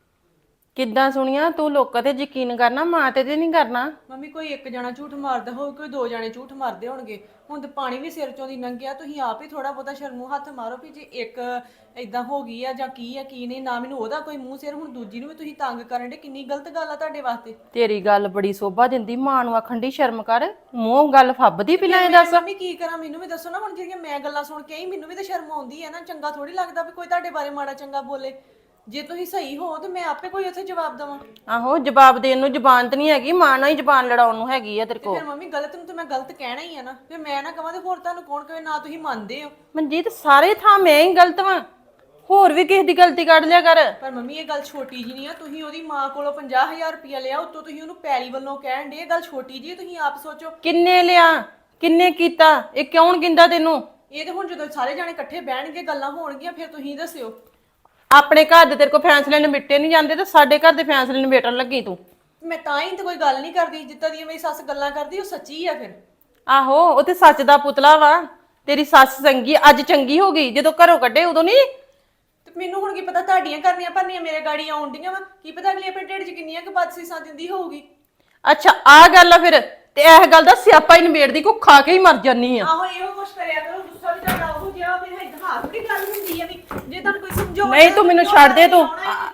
[SPEAKER 3] ਕਿੱਦਾਂ ਸੁਣੀਆਂ? ਤੂੰ ਲੋਕਾਂ ਤੇ ਯਕੀਨ ਕਰਨਾ, ਮਾਂ ਤੇ ਨਹੀਂ ਕਰਨਾ।
[SPEAKER 5] ਮੰਮੀ ਕੋਈ ਇੱਕ ਜਣਾ ਝੂਠ ਮਾਰਦਾ ਹੋਊ, ਕੋਈ ਦੋ ਜਣੇ ਝੂਠ ਮਾਰਦੇ ਹੋਣਗੇ। ਹੁਣ ਤੇ ਪਾਣੀ ਵੀ ਸਿਰ ਚੋਂ ਦੀ ਲੰਘਿਆ, ਤੁਸੀਂ ਆਪ ਹੀ ਥੋੜਾ ਬਹੁਤਾ ਸ਼ਰਮੂ ਹੱਥ ਮਾਰੋ ਵੀ ਜੇ ਇੱਕ ਇਦਾਂ ਹੋ ਗਈ ਆ ਜਾਂ ਕੀ ਆ ਕੀ ਨਹੀਂ। ਨਾ ਮੈਨੂੰ ਉਹਦਾ ਕੋਈ ਮੂੰਹ ਸਿਰ, ਹੁਣ ਦੂਜੀ ਨੂੰ ਵੀ ਤੁਸੀਂ ਤੰਗ ਕਰਨ ਦੇ, ਕਿੰਨੀ ਗਲਤ ਗੱਲ ਆ ਤੁਹਾਡੇ ਵਾਸਤੇ।
[SPEAKER 3] ਤੇਰੀ ਗੱਲ ਬੜੀ ਸੋਭਾ ਦਿੰਦੀ, ਮਾਂ ਨੂੰ ਆਖਣ ਦੀ ਸ਼ਰਮ ਕਰ, ਮੂੰਹ ਗੱਲ ਫੱਬਦੀ ਪਿਲਾਂ ਇਹ ਦੱਸ।
[SPEAKER 5] ਮੰਮੀ ਕੀ ਕਰਾਂ, ਮੈਨੂੰ ਵੀ ਦੱਸੋ ਨਾ। ਹੁਣ ਜਿਹੜੀਆਂ ਮੈਂ ਗੱਲਾਂ ਸੁਣ ਕੇ ਆਈ, ਮੈਨੂੰ ਵੀ ਤਾਂ ਸ਼ਰਮ ਆਉਂਦੀ ਹੈ ਨਾ। ਚੰਗਾ ਥੋੜੀ ਲੱਗਦਾ ਵੀ ਕੋਈ ਤੁਹਾਡੇ ਬਾਰੇ ਮਾੜਾ ਚੰਗਾ ਬੋਲੇ। ਜੇ ਤੁਸੀਂ ਸਹੀ ਹੋ ਤੇ ਮੈਂ ਆਪੇ ਕੋਈ ਉੱਥੇ ਜਵਾਬ ਦੇਵਾਂ।
[SPEAKER 3] ਆਹੋ, ਜਵਾਬ ਦੇਣ ਨੂੰ ਜ਼ਬਾਨ ਤੇ ਨਹੀਂ ਹੈਗੀ, ਮਾਂ ਨਾਲ ਹੀ ਜ਼ਬਾਨ ਲੜਾਉਣ ਨੂੰ ਹੈਗੀ ਆ ਤੇਰੇ ਕੋਲ।
[SPEAKER 5] ਫਿਰ ਮੰਮੀ ਗਲਤ ਨੂੰ ਤੇ ਮੈਂ ਗਲਤ ਕਹਿਣਾ ਹੀ ਆ ਨਾ, ਫਿਰ ਮੈਂ ਨਾ ਕਹਾਂ ਤੇ ਹੋਰ ਤੁਹਾਨੂੰ ਕੌਣ ਕਹੇ। ਨਾ ਤੁਸੀਂ ਮੰਨਦੇ ਹੋ।
[SPEAKER 3] ਮਨਜੀਤ ਸਾਰੇ ਥਾਂ ਮੈਂ ਹੀ ਗਲਤ ਵਾਂ, ਹੋਰ ਵੀ ਕਿਸੇ ਦੀ ਗਲਤੀ ਕੱਢ ਲਿਆ ਕਰ।
[SPEAKER 5] ਪਰ ਮੰਮੀ ਇਹ ਗੱਲ ਛੋਟੀ ਜੀ ਨਹੀਂ ਆ। ਤੁਸੀਂ ਉਹਦੀ ਮਾਂ ਕੋਲੋਂ 50,000 ਰੁਪਇਆ ਲਿਆ, ਉੱਤੋਂ ਤੁਸੀਂ ਉਹਨੂੰ ਪੈਲੀ ਵੱਲੋਂ ਕਹਿਣ ਦੇ। ਇਹ ਗੱਲ ਛੋਟੀ ਜੀ, ਤੁਸੀਂ ਆਪ ਸੋਚੋ।
[SPEAKER 3] ਕਿੰਨੇ ਲਿਆ, ਕਿੰਨੇ ਕੀਤਾ, ਇਹ ਕਿਉਂ ਗਿੰਦਾ ਤੈਨੂੰ?
[SPEAKER 5] ਇਹ ਤੇ ਹੁਣ ਜਦੋਂ ਸਾਰੇ ਜਾਣੇ ਇਕੱਠੇ ਬਹਿਣਗੇ, ਗੱਲਾਂ ਹੋਣਗੀਆਂ, ਫਿਰ ਤੁਸੀਂ ਦੱਸਿਓ।
[SPEAKER 3] ਆਪਣੇ ਘਰ ਦੇ ਤੇਰੇ ਕੋ ਫੈਸਲੇ ਨਿਬੇਟੇ ਨਹੀਂ ਜਾਂਦੇ ਤੇ ਸਾਡੇ ਘਰ ਦੇ ਫੈਸਲੇ ਨਿਬੇਟਣ ਲੱਗੀ ਤੂੰ।
[SPEAKER 5] ਮੈਂ ਤਾਂ ਹੀ ਤੇ ਕੋਈ ਗੱਲ ਨਹੀਂ ਕਰਦੀ, ਜਿੱਦਾਂ ਦੀ ਮੇਰੀ ਸੱਸ ਗੱਲਾਂ ਕਰਦੀ ਉਹ ਸੱਚੀ ਆ। ਫਿਰ
[SPEAKER 3] ਆਹੋ, ਉਹ ਤੇ ਸੱਚ ਦਾ ਪੁਤਲਾ ਵਾ। ਤੇਰੀ ਸੱਸ ਚੰਗੀ ਅੱਜ ਚੰਗੀ ਹੋ ਗਈ, ਜਦੋਂ ਘਰੋਂ ਕੱਢੇ ਉਦੋਂ ਨਹੀਂ।
[SPEAKER 5] ਤੇ ਮੈਨੂੰ ਹੁਣ ਕੀ ਪਤਾ ਤੁਹਾਡੀਆਂ ਕਰਨੀਆਂ ਭਰਨੀਆਂ ਮੇਰੇ ਗਾੜੀ ਆਉਣ ਡੀਆਂ ਵਾ। ਕੀ ਪਤਾ ਅਗਲੀ ਆਪਣੇ ਢਿੱਡ 'ਚ ਕਿੰਨੀਆਂ ਕੁ ਬਦਸੀਸਾਂ ਦਿੰਦੀ ਹੋਊਗੀ।
[SPEAKER 3] ਅੱਛਾ ਆ ਗੱਲ ਆ ਫਿਰ, ਤੇ ਇਹ ਗੱਲ ਦਾ ਸਿਆਪਾ ਹੀ ਨਿਬੇੜਦੀ, ਕੋ ਖਾ ਕੇ ਹੀ ਮਰ ਜਾਨੀ ਆ।
[SPEAKER 5] ਆਹੋ ਇਹੋ ਕੁਛ ਕਰਿਆ ਕਰੋ, ਗੁੱਸਾ ਵੀ ਤੁਹਾਡਾ ਉਹ ਜਿਹਾ ਫਿਰ ਇਤਿਹਾਸ ਦੀ ਗੱਲ ਹੁੰਦੀ ਆ ਵੀ ਜੇ ਤੁਹਾਨੂੰ ਕੋਈ ਸਮਝਾਉਣਾ।
[SPEAKER 3] ਨਹੀਂ ਤੂੰ ਮੈਨੂੰ ਛੱਡ ਦੇ ਤੂੰ।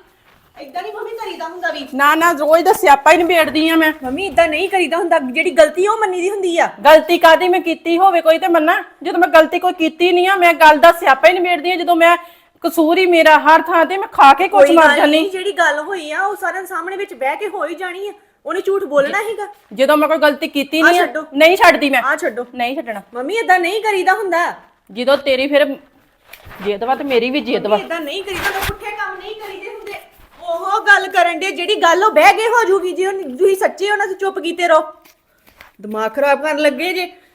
[SPEAKER 5] ਇਦਾਂ ਨਹੀਂ ਮੰਮੀ ਕਰੀਦਾ ਹੁੰਦਾ ਵੀ।
[SPEAKER 3] ਨਾ ਨਾ, ਰੋਜ਼ ਦਾ ਸਿਆਪਾ ਹੀ ਨਿਬੇੜਦੀ ਆ ਮੈਂ।
[SPEAKER 5] ਮੰਮੀ ਇਦਾਂ ਨਹੀਂ ਕਰੀਦਾ ਹੁੰਦਾ, ਜਿਹੜੀ ਗਲਤੀ ਉਹ ਮੰਨੀ ਦੀ ਹੁੰਦੀ ਆ।
[SPEAKER 3] ਗਲਤੀ ਕਾਦੀ ਮੈਂ ਕੀਤੀ ਹੋਵੇ ਕੋਈ ਤੇ ਮੰਨਾ, ਜਦੋਂ ਮੈਂ ਗਲਤੀ ਕੋਈ ਕੀਤੀ ਨਹੀਂ ਆ, ਮੈਂ ਗੱਲ ਦਾ ਸਿਆਪਾ ਹੀ ਨਿਬੇੜਦੀ ਆ। ਜਦੋਂ ਮੈਂ ਕਸੂਰ ਹੀ ਮੇਰਾ ਹਰ ਥਾਂ ਤੇ, ਮੈਂ ਖਾ ਕੇ ਕੁਝ ਮਰ ਜਾਨੀ।
[SPEAKER 5] ਜਿਹੜੀ ਗੱਲ ਹੋਈ ਆ ਉਹ ਸਾਰਿਆਂ ਸਾਹਮਣੇ ਵਿੱਚ ਬਹਿ ਕੇ ਹੋ ਹੀ ਜਾਣੀ ਆ। ਉਹਨੇ ਝੂਠ ਬੋਲਣਾ ਹੈਗਾ।
[SPEAKER 3] ਜਦੋਂ ਮੈਂ ਕੋਈ ਗਲਤੀ ਕੀਤੀ ਨਹੀਂ ਆ,
[SPEAKER 5] ਛੱਡੋ।
[SPEAKER 3] ਨਹੀਂ ਛੱਡਦੀ ਮੈਂ।
[SPEAKER 5] ਆ ਛੱਡੋ,
[SPEAKER 3] ਨਹੀਂ ਛੱਡਣਾ।
[SPEAKER 5] ਮੰਮੀ ਇਦਾਂ ਨਹੀਂ ਕਰੀਦਾ ਹੁੰਦਾ।
[SPEAKER 3] ਜਦੋਂ ਤੇਰੀ ਫਿਰ ਜਿੱਦ ਵਾ ਤੇ ਮੇਰੀ ਵੀ ਜਿੱਦ ਵਾ।
[SPEAKER 5] ਇਦਾਂ ਨਹੀਂ ਕਰੀਦਾ ਹੁੰਦਾ, ਪੁੱਠੇ ਕੰਮ ਨਹੀਂ ਕਰੀਦੇ ਹੁੰਦੇ। ਉਹ ਗੱਲ ਕਰਨ ਦੇ ਜਿਹੜੀ ਗੱਲ ਉਹ ਬਹਿ ਕੇ ਹੋ ਜੂਗੀ। ਜੇ ਤੁਸੀਂ ਸੱਚੇ ਹੋ ਨਾ ਤੇ ਚੁੱਪ ਕੀਤੇ ਰਹੋ। ਦਿਮਾਗ ਖਰਾਬ ਕਰਨ ਲੱਗੇ ਜੇ।